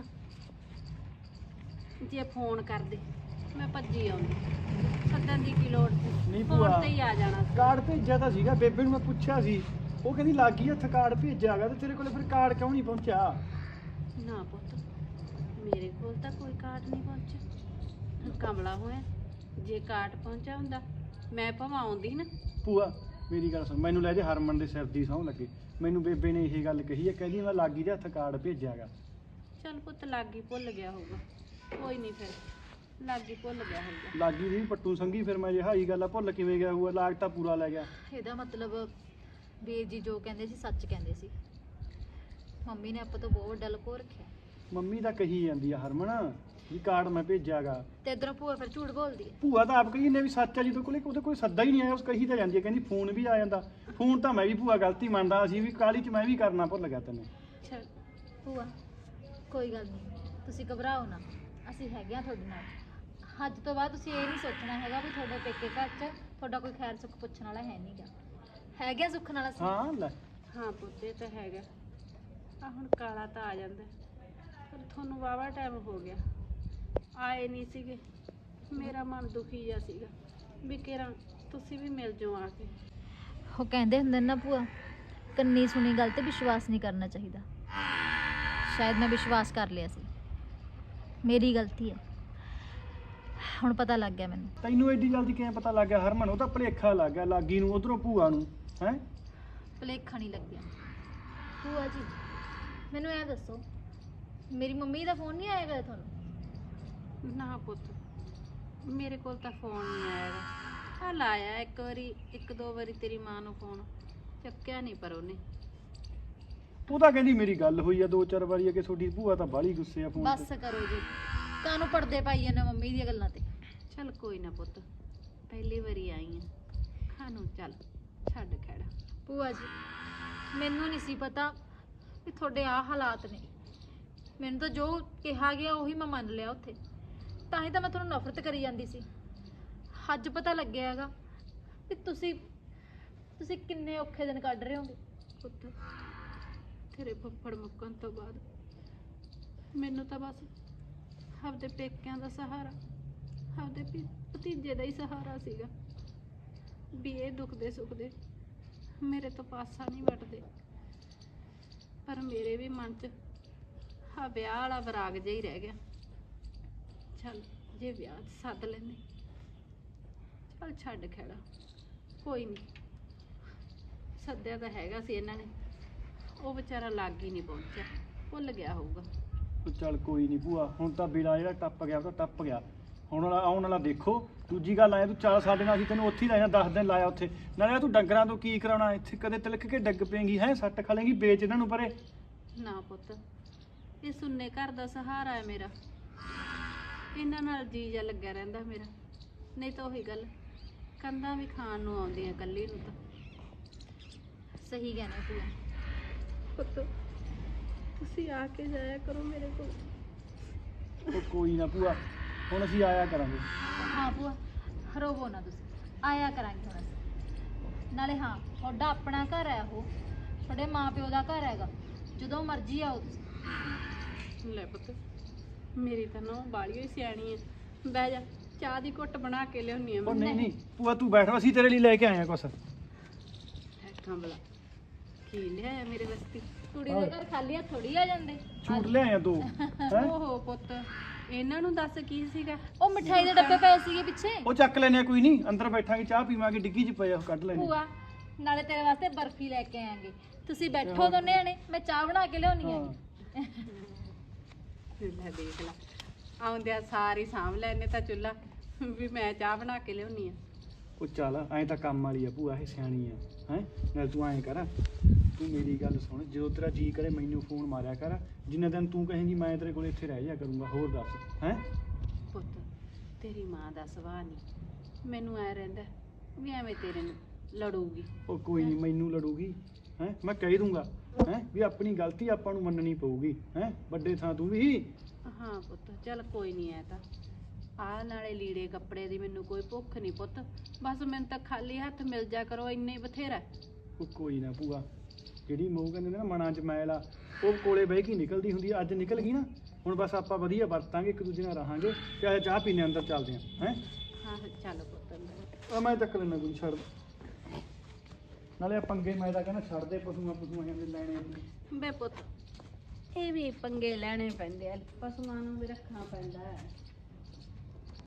A: ਜੇ ਫੋਨ ਕਰਦੇ ਮੈਂ ਭੱਜੀ ਆਉਂਦੀ, ਸੱਦਣ ਦੀ ਕੀ ਲੋੜ ਸੀ?
D: ਨਹੀਂ
A: ਫੋਨ
D: ਭੂਆ,
A: ਤੇ ਹੀ ਆ ਜਾਣਾ ਸੀ।
D: ਕਾਰਡ ਭੇਜਿਆ ਤਾਂ ਸੀਗਾ, ਬੇਬੇ ਨੂੰ ਮੈਂ ਪੁੱਛਿਆ ਸੀ, ਉਹ ਕਹਿੰਦੀ ਲੱਗੀ ਹੱਥ ਕਾਰਡ ਭੇਜਿਆ ਗਾ, ਤੇ ਤੇਰੇ ਕੋਲੇ ਫਿਰ ਕਾਰਡ ਕਿਉਂ ਨਹੀਂ ਪਹੁੰਚਿਆ?
A: ਨਾ ਪੁੱਤ, ਮੇਰੇ ਕੋਲ ਤਾਂ ਕੋਈ ਕਾਰਡ ਨਹੀਂ ਪਹੁੰਚਿਆ। ਕਮਲਾ ਹੋਇਆ, ਜੇ ਕਾਰਡ ਪਹੁੰਚਿਆ ਹੁੰਦਾ ਮੈਂ ਭਾਵੇਂ ਆਉਂਦੀ ਨਾ।
D: ਭੂਆ ਮੇਰੀ ਗੱਲ ਸੁਣ, ਮੈਨੂੰ ਲੈ ਜੇ ਹਰਮਨ ਦੇ ਸਿਰ ਦੀ ਸਹੁੰ ਲੱਗੇ, ਮੈਨੂੰ ਬੇਬੇ ਨੇ ਇਹ ਗੱਲ ਕਹੀ ਹੈ, ਕਹਿੰਦੀ ਮੈਂ ਲਾਗੀ ਦੇ ਹੱਥ ਕਾਰਡ ਭੇਜਿਆ ਗਾ।
A: ਚੱਲ ਪੁੱਤ, ਲਾਗੀ ਭੁੱਲ ਗਿਆ ਹੋਊਗਾ, ਕੋਈ ਨਹੀਂ, ਫਿਰ ਲਾਗੀ ਭੁੱਲ ਗਿਆ ਹੋਊਗਾ।
D: ਲਾਗੀ ਦੀ ਵੀ ਪੱਟੂ ਸੰਗੀ, ਫਿਰ ਮੈਂ ਜੇ ਹਾਈ ਗੱਲ ਆ ਭੁੱਲ ਕਿਵੇਂ ਗਿਆ ਹੋਊਗਾ? ਲਾਗ ਤਾਂ ਪੂਰਾ ਲੈ ਗਿਆ।
C: ਇਹਦਾ ਮਤਲਬ ਵੀਰ ਜੀ ਜੋ ਕਹਿੰਦੇ ਸੀ ਸੱਚ ਕਹਿੰਦੇ ਸੀ। ਮੰਮੀ ਨੇ ਆਪਾਂ ਤੋਂ ਬਹੁਤ ਵੱਡਾ ਲੁਕੋ ਰੱਖਿਆ,
D: ਮੰਮੀ ਤਾਂ ਕਹੀ ਜਾਂਦੀ ਆ ਹਰਮਨ ਵੀ ਕਾਰਡ ਮੈਂ ਭੇਜਿਆ ਗਾ।
C: ਤੇ ਇਧਰੋਂ ਭੂਆ ਫਿਰ ਝੂਠ ਬੋਲਦੀ ਹੈ।
D: ਭੂਆ ਤਾਂ ਆਪ ਕਹੀ ਨੇ ਵੀ ਸੱਚ ਆ, ਜਦੋਂ ਕੋਲੇ ਉਹਦੇ ਕੋਈ ਸੱਦਾ ਹੀ ਨਹੀਂ ਆਇਆ, ਉਸ ਕਹੀ ਤਾਂ ਜਾਂਦੀ ਹੈ, ਕਹਿੰਦੀ ਫੋਨ ਵੀ ਆ ਜਾਂਦਾ। ਫੋਨ ਤਾਂ ਮੈਂ ਵੀ ਭੂਆ ਗਲਤੀ ਮੰਨਦਾ, ਅਸੀਂ ਵੀ ਕਾਹਲੀ 'ਚ ਮੈਂ ਵੀ ਕਰਨਾ ਭੁੱਲ ਗਿਆ ਤੈਨੂੰ।
A: ਚੱਲ
C: ਭੂਆ ਕੋਈ ਗੱਲ ਨਹੀਂ, ਤੁਸੀਂ ਘਬਰਾਓ ਨਾ, ਅਸੀਂ ਹੈਗੇ ਆ ਤੁਹਾਡੇ ਨਾਲ। ਅੱਜ ਤੋਂ ਬਾਅਦ ਤੁਸੀਂ ਇਹ ਨਹੀਂ ਸੋਚਣਾ ਹੈਗਾ ਵੀ ਤੁਹਾਡੇ ਪੇਕੇ ਘਰ 'ਚ ਤੁਹਾਡਾ ਕੋਈ ਖੈਰ ਸੁੱਖ ਪੁੱਛਣ ਵਾਲਾ ਹੈ ਨਹੀਂਗਾ। ਹੈਗੇ ਆ ਸੁੱਖ ਨਾਲ ਅਸੀਂ।
D: ਹਾਂ ਲੈ,
A: ਹਾਂ ਪੁੱਤ, ਇਹ ਤਾਂ ਹੈਗਾ। ਆ ਹੁਣ ਕਾਲਾ ਤਾਂ ਆ ਜਾਂਦਾ, ਪਰ ਤੁਹਾਨੂੰ ਵਾਵਾ ਟਾਈਮ ਹੋ ਗਿਆ ਆਏ ਨਹੀਂ ਸੀਗੇ। ਮੇਰਾ ਮਨ ਦੁਖੀ ਜਿਹਾ ਸੀਗਾ ਵੀ ਕਿਹੜਾ ਤੁਸੀਂ ਵੀ ਮਿਲ ਜਾਓ ਆ ਕੇ।
C: ਉਹ ਕਹਿੰਦੇ ਹੁੰਦੇ ਨੇ ਨਾ ਭੂਆ, ਕੰਨੀ ਸੁਣੀ ਗੱਲ ਤੇ ਵਿਸ਼ਵਾਸ ਨਹੀਂ ਕਰਨਾ ਚਾਹੀਦਾ। ਸ਼ਾਇਦ ਮੈਂ ਵਿਸ਼ਵਾਸ ਕਰ ਲਿਆ ਸੀ, ਮੇਰੀ ਗਲਤੀ ਹੈ। ਹੁਣ ਪਤਾ ਲੱਗ ਗਿਆ ਮੈਨੂੰ।
D: ਤੈਨੂੰ ਐਡੀ ਜਲਦੀ ਕਿਵੇਂ ਪਤਾ ਲੱਗ ਗਿਆ ਹਰਮਨ? ਉਹ ਤਾਂ ਭੁਲੇਖਾ ਲੱਗ ਗਿਆ ਲਾਗੀ ਨੂੰ, ਉਧਰੋਂ ਭੂਆ ਨੂੰ। ਹੈ
C: ਭੁਲੇਖਾ ਨਹੀਂ ਲੱਗਿਆ। ਭੂਆ ਜੀ ਮੈਨੂੰ ਐਂ ਦੱਸੋ, ਮੇਰੀ ਮੰਮੀ ਦਾ ਫੋਨ ਨਹੀਂ ਆਏਗਾ ਤੁਹਾਨੂੰ?
A: ਨਾ ਪੁੱਤ, ਮੇਰੇ ਕੋਲ ਤਾਂ ਫੋਨ ਨਹੀਂ ਆਇਆ। ਆ ਲਾਇਆ ਇੱਕ ਵਾਰੀ, ਇੱਕ ਦੋ ਵਾਰੀ ਤੇਰੀ ਮਾਂ ਨੂੰ ਫੋਨ, ਚੱਕਿਆ ਨਹੀਂ ਪਰ ਉਹਨੇ।
D: ਉਹ ਤਾਂ ਕਹਿੰਦੀ ਮੇਰੀ ਗੱਲ ਹੋਈ ਆ 2-4 ਵਾਰੀ, ਕਿ ਤੁਹਾਡੀ ਭੂਆ ਤਾਂ ਬਾਹਲੀ ਗੁੱਸੇ ਆ ਫੋਨ
C: ਬਸ ਕਰੋ ਜੀ, ਕਾਹਨੂੰ ਪਰਦੇ ਪਾਈ ਜਾਂਦੇ ਮੰਮੀ ਦੀਆਂ ਗੱਲਾਂ ਤੇ।
A: ਚੱਲ ਕੋਈ ਨਾ ਪੁੱਤ, ਪਹਿਲੀ ਵਾਰੀ ਆਈ ਆ, ਖਾਨੂੰ ਚੱਲ ਛੱਡ ਖੜਾ।
C: ਭੂਆ ਜੀ ਮੈਨੂੰ ਨਹੀਂ ਸੀ ਪਤਾ ਵੀ ਤੁਹਾਡੇ ਆ ਹਾਲਾਤ ਨੇ। ਮੈਨੂੰ ਤਾਂ ਜੋ ਕਿਹਾ ਗਿਆ ਉਹੀ ਮੈਂ ਮੰਨ ਲਿਆ ਉੱਥੇ, ਤਾਂ ਹੀ ਤਾਂ ਮੈਂ ਤੁਹਾਨੂੰ ਨਫ਼ਰਤ ਕਰੀ ਜਾਂਦੀ ਸੀ। ਅੱਜ ਪਤਾ ਲੱਗਿਆ ਹੈਗਾ ਵੀ ਤੁਸੀਂ ਕਿੰਨੇ ਔਖੇ ਦਿਨ ਕੱਢ ਰਹੇ ਹੋਗੇ।
A: ਪੁੱਤ, ਤੇਰੇ ਫੁੱਫੜ ਮੁੱਕਣ ਤੋਂ ਬਾਅਦ ਮੈਨੂੰ ਤਾਂ ਬਸ ਆਪਦੇ ਪੇਕਿਆਂ ਦਾ ਸਹਾਰਾ, ਆਪਦੇ ਭਤੀਜੇ ਦਾ ਹੀ ਸਹਾਰਾ ਸੀਗਾ ਵੀ ਇਹ ਦੁੱਖ ਸੁੱਖ ਦੇ ਮੇਰੇ ਤੋਂ ਪਾਸਾ ਨਹੀਂ ਵੱਟਦੇ। ਪਰ ਮੇਰੇ ਵੀ ਮਨ 'ਚ ਆ ਵਿਆਹ ਵਾਲਾ ਵਿਰਾਗ ਜਿਹਾ ਹੀ ਰਹਿ ਗਿਆ। ਚੱਲ ਜੇ ਵਿਆਹ 'ਚ ਸੱਦ ਲੈਂਦੇ, ਚੱਲ ਛੱਡ ਖੜਾ, ਕੋਈ ਨਹੀਂ। ਸੱਦਿਆ ਤਾਂ ਹੈਗਾ ਸੀ ਇਹਨਾਂ ਨੇ, ਉਹ ਵਿਚਾਰਾ ਲੱਗ ਹੀ ਨਹੀਂ ਪਹੁੰਚਿਆ, ਭੁੱਲ ਗਿਆ ਹੋਊਗਾ।
D: ਚੱਲ ਕੋਈ ਨਹੀਂ ਭੂਆ, ਹੁਣ ਤਾਂ ਬਿਲਾ ਜਿਹੜਾ ਟੱਪ ਗਿਆ ਉਹ ਤਾਂ ਟੱਪ ਗਿਆ। ਹੁਣ ਵਾਲਾ ਆਉਣ ਵਾਲਾ ਦੇਖੋ। ਦੂਜੀ ਗੱਲ ਆਇਆ, ਤੂੰ ਚੱਲ ਸਾਡੇ ਨਾਲ, ਅਸੀਂ ਤੈਨੂੰ ਉੱਥੇ ਹੀ ਰਹਿਣਾ 10 ਦਿਨ ਲਾਇਆ ਉੱਥੇ। ਨਾਲੇ ਤੂੰ ਡੰਗਰਾਂ ਤੋਂ ਕੀ ਕਰਾਉਣਾ ਇੱਥੇ? ਕਦੇ ਤਿਲਕ ਕੇ ਡਿੱਗ ਪਏਂਗੀ, ਹੈ ਸੱਟ ਖਾ ਲੇਂਗੀ, ਵੇਚ ਇਹਨਾਂ ਨੂੰ ਪਰੇ।
A: ਨਾ ਪੁੱਤ, ਇਹ ਸੁੰਨੇ ਘਰ ਦਾ ਸਹਾਰਾ ਹੈ ਮੇਰਾ, ਇਹਨਾਂ ਨਾਲ ਜੀ ਜਾ ਲੱਗਿਆ ਰਹਿੰਦਾ ਮੇਰਾ। ਨਹੀਂ ਤਾਂ ਉਹੀ ਗੱਲ, ਕੰਧਾਂ ਵੀ ਖਾਣ ਨੂੰ ਆਉਂਦੀਆਂ ਇਕੱਲੀ ਨੂੰ ਤਾਂ।
C: ਸਹੀ ਕਹਿਣਾ ਭੂਆ।
A: ਪੁੱਤ ਤੁਸੀਂ ਆ ਕੇ ਜਾਇਆ ਕਰੋ ਮੇਰੇ ਕੋਲ।
D: ਉਹ ਕੋਈ ਨਾ ਭੂਆ, ਹੁਣ ਅਸੀਂ ਆਇਆ ਕਰਾਂਗੇ।
C: ਹਾਂ ਭੂਆ, ਰੋਵੋ ਨਾ ਤੁਸੀਂ, ਆਇਆ ਕਰਾਂਗੇ ਹੁਣ ਅਸੀਂ। ਨਾਲੇ ਹਾਂ, ਤੁਹਾਡਾ ਆਪਣਾ ਘਰ ਹੈ ਉਹ, ਤੁਹਾਡੇ ਮਾਪਿਓ ਦਾ ਘਰ ਹੈਗਾ, ਜਦੋਂ ਮਰਜ਼ੀ ਆਓ ਤੁਸੀਂ।
A: ਲੈ ਪੁੱਤ, ਮੇਰੀ ਤਾਂ ਨਹੁੰ ਬਾਲੀ ਹੋਈ ਸਿਆਣੀ ਹੈ। ਬਹਿ ਜਾ, ਚਾਹ ਦੀ ਘੁੱਟ ਬਣਾ ਕੇ ਲਿਆਉਣੀ ਆ
D: ਉਹ
A: ਮੈਂ।
D: ਨਹੀਂ ਭੂਆ ਤੂੰ ਬੈਠ, ਅਸੀਂ ਤੇਰੇ ਲਈ ਲੈ ਕੇ ਆਏ ਆ ਕੁਛ।
A: ਬੈਠਾਂ ਭਲਾ, ਕੀ ਲਿਆਇਆ ਮੇਰੇ ਵਾਸਤੇ?
C: ਕੁੜੀ ਦੇ ਘਰ ਖਾਲੀ ਹੱਥ ਥੋੜੀ ਆ ਜਾਂਦੇ।
D: ਛੂਟ ਲੈ ਆਏ ਆ 2 ਹੈ।
A: ਓਹੋ ਪੁੱਤ, ਇਹਨਾਂ ਨੂੰ ਦੱਸ ਕੀ ਸੀਗਾ?
C: ਉਹ ਮਠਾਈ ਦੇ ਡੱਬੇ ਪਏ ਸੀਗੇ ਪਿੱਛੇ।
D: ਉਹ ਚੱਕ ਲੈਨੇ ਆ, ਕੋਈ ਨਹੀਂ, ਅੰਦਰ ਬੈਠਾਂਗੇ, ਚਾਹ ਪੀਵਾਂਗੇ, ਡਿੱਗੀ 'ਚ ਪਏ ਆ, ਉਹ ਕੱਢ ਲੈਣੇ।
C: ਭੂਆ, ਨਾਲੇ ਤੇਰੇ ਵਾਸਤੇ ਬਰਫੀ ਲੈ ਕੇ ਆਵਾਂਗੇ, ਤੁਸੀਂ ਬੈਠੋ ਦੋਨੇ ਜਣੇ, ਮੈਂ ਚਾਹ ਬਣਾ ਕੇ ਲਿਆਉਣੀ
D: ਹਾਂ।
A: ਲੈ ਦੇਖ ਲੈ, ਆਉਂਦਿਆਂ ਸਾਰੀ ਸਾਂਭ ਲੈਨੇ ਤਾਂ ਚੁੱਲ੍ਹਾ ਵੀ ਮੈਂ ਚਾਹ ਬਣਾ ਕੇ ਲਿਆਉਣੀ ਆ।
D: ਉਹ ਚੱਲ, ਐਂ ਤਾਂ ਕੰਮ ਵਾਲੀ ਆ ਭੂਆ, ਇਹ ਸਿਆਣੀ ਆ ਹੈ। ਨਾਲ ਤੂੰ ਐਂ ਕਰ, ਤੂੰ ਮੇਰੀ ਗੱਲ ਸੁਣ, ਜਦੋਂ ਤੇਰਾ ਜੀ ਕਰੇ ਮੈਨੂੰ ਫੋਨ ਮਾਰਿਆ ਕਰ। ਜਿੰਨੇ ਦਿਨ ਤੂੰ ਕਹੇਂਗੀ ਮੈਂ ਤੇਰੇ ਕੋਲ ਇੱਥੇ ਰਹਿ ਜਾ ਕਰੂੰਗਾ। ਹੋਰ ਦੱਸ ਹੈ।
A: ਪੁੱਤ, ਤੇਰੀ ਮਾਂ ਦਾ ਸੁਭਾਅ ਨਹੀਂ, ਮੈਨੂੰ ਐ ਰਹਿੰਦਾ ਵੀ ਐਵੇਂ ਤੇਰੇ ਨੂੰ ਲੜੂਗੀ।
D: ਉਹ ਕੋਈ ਨਹੀਂ, ਮੈਨੂੰ ਲੜੂਗੀ ਹੈ, ਮੈਂ ਕਹਿ ਦੂੰਗਾ ਹੈ ਵੀ ਆਪਣੀ ਗਲਤੀ ਆਪਾਂ ਨੂੰ ਮੰਨਣੀ ਪਊਗੀ ਹੈ। ਵੱਡੇ ਥਾਂ ਤੂੰ ਵੀ।
A: ਹਾਂ ਪੁੱਤ, ਚੱਲ ਕੋਈ ਨਹੀਂ, ਐ ਤਾਂ ਆਹ ਨਾਲੇ ਲੀੜੇ ਕੱਪੜੇ ਦੀ ਮੈਨੂੰ ਕੋਈ ਭੁੱਖ ਨਹੀਂ ਪੁੱਤ, ਬਸ ਮੈਨੂੰ ਤਾਂ ਖਾਲੀ ਹੱਥ ਮਿਲ ਜਾ ਕਰੋ, ਇੰਨੇ ਹੀ ਬਥੇਰਾ।
D: ਉਹ ਕੋਈ ਨਾ ਭੂਆ, ਜਿਹੜੀ ਮੂੰਹ ਕਹਿੰਦੇ ਨੇ ਨਾ ਮਨਾਂ 'ਚ ਮੈਲ ਆ, ਉਹ ਕੋਲੇ ਬਹਿ ਕੇ ਨਿਕਲਦੀ ਹੁੰਦੀ ਆ। ਅੱਜ ਨਿਕਲ ਗਈ ਨਾ, ਹੁਣ ਬਸ ਆਪਾਂ ਵਧੀਆ ਵਰਤਾਂਗੇ, ਇੱਕ ਦੂਜੇ ਨਾਲ ਰਹਾਂਗੇ। ਤੇ ਆ ਚਾਹ ਪੀਣੇ ਅੰਦਰ ਚੱਲਦੇ ਆ ਹੈ।
A: ਹਾਂ ਚੱਲ ਪੁੱਤ ਅੰਦਰ।
D: ਆ ਮੈਂ ਚੱਕ ਲੈਣਾ, ਕੋਈ ਛੱਡ। ਨਾਲੇ ਆ ਪੰਗੇ ਮੈਂ ਤਾਂ ਕਹਿੰਦਾ ਛੱਡ ਦੇ, ਪਸ਼ੂਆਂ ਜਾਂਦੇ ਲੈਣੇ ਆ।
A: ਬੇ ਪੁੱਤ, ਇਹ ਵੀ ਪੰਗੇ ਲੈਣੇ ਪੈਂਦੇ ਆ, ਪਸ਼ੂਆਂ ਨੂੰ ਵੀ ਰੱਖਣਾ ਪੈਂਦਾ ਹੈ।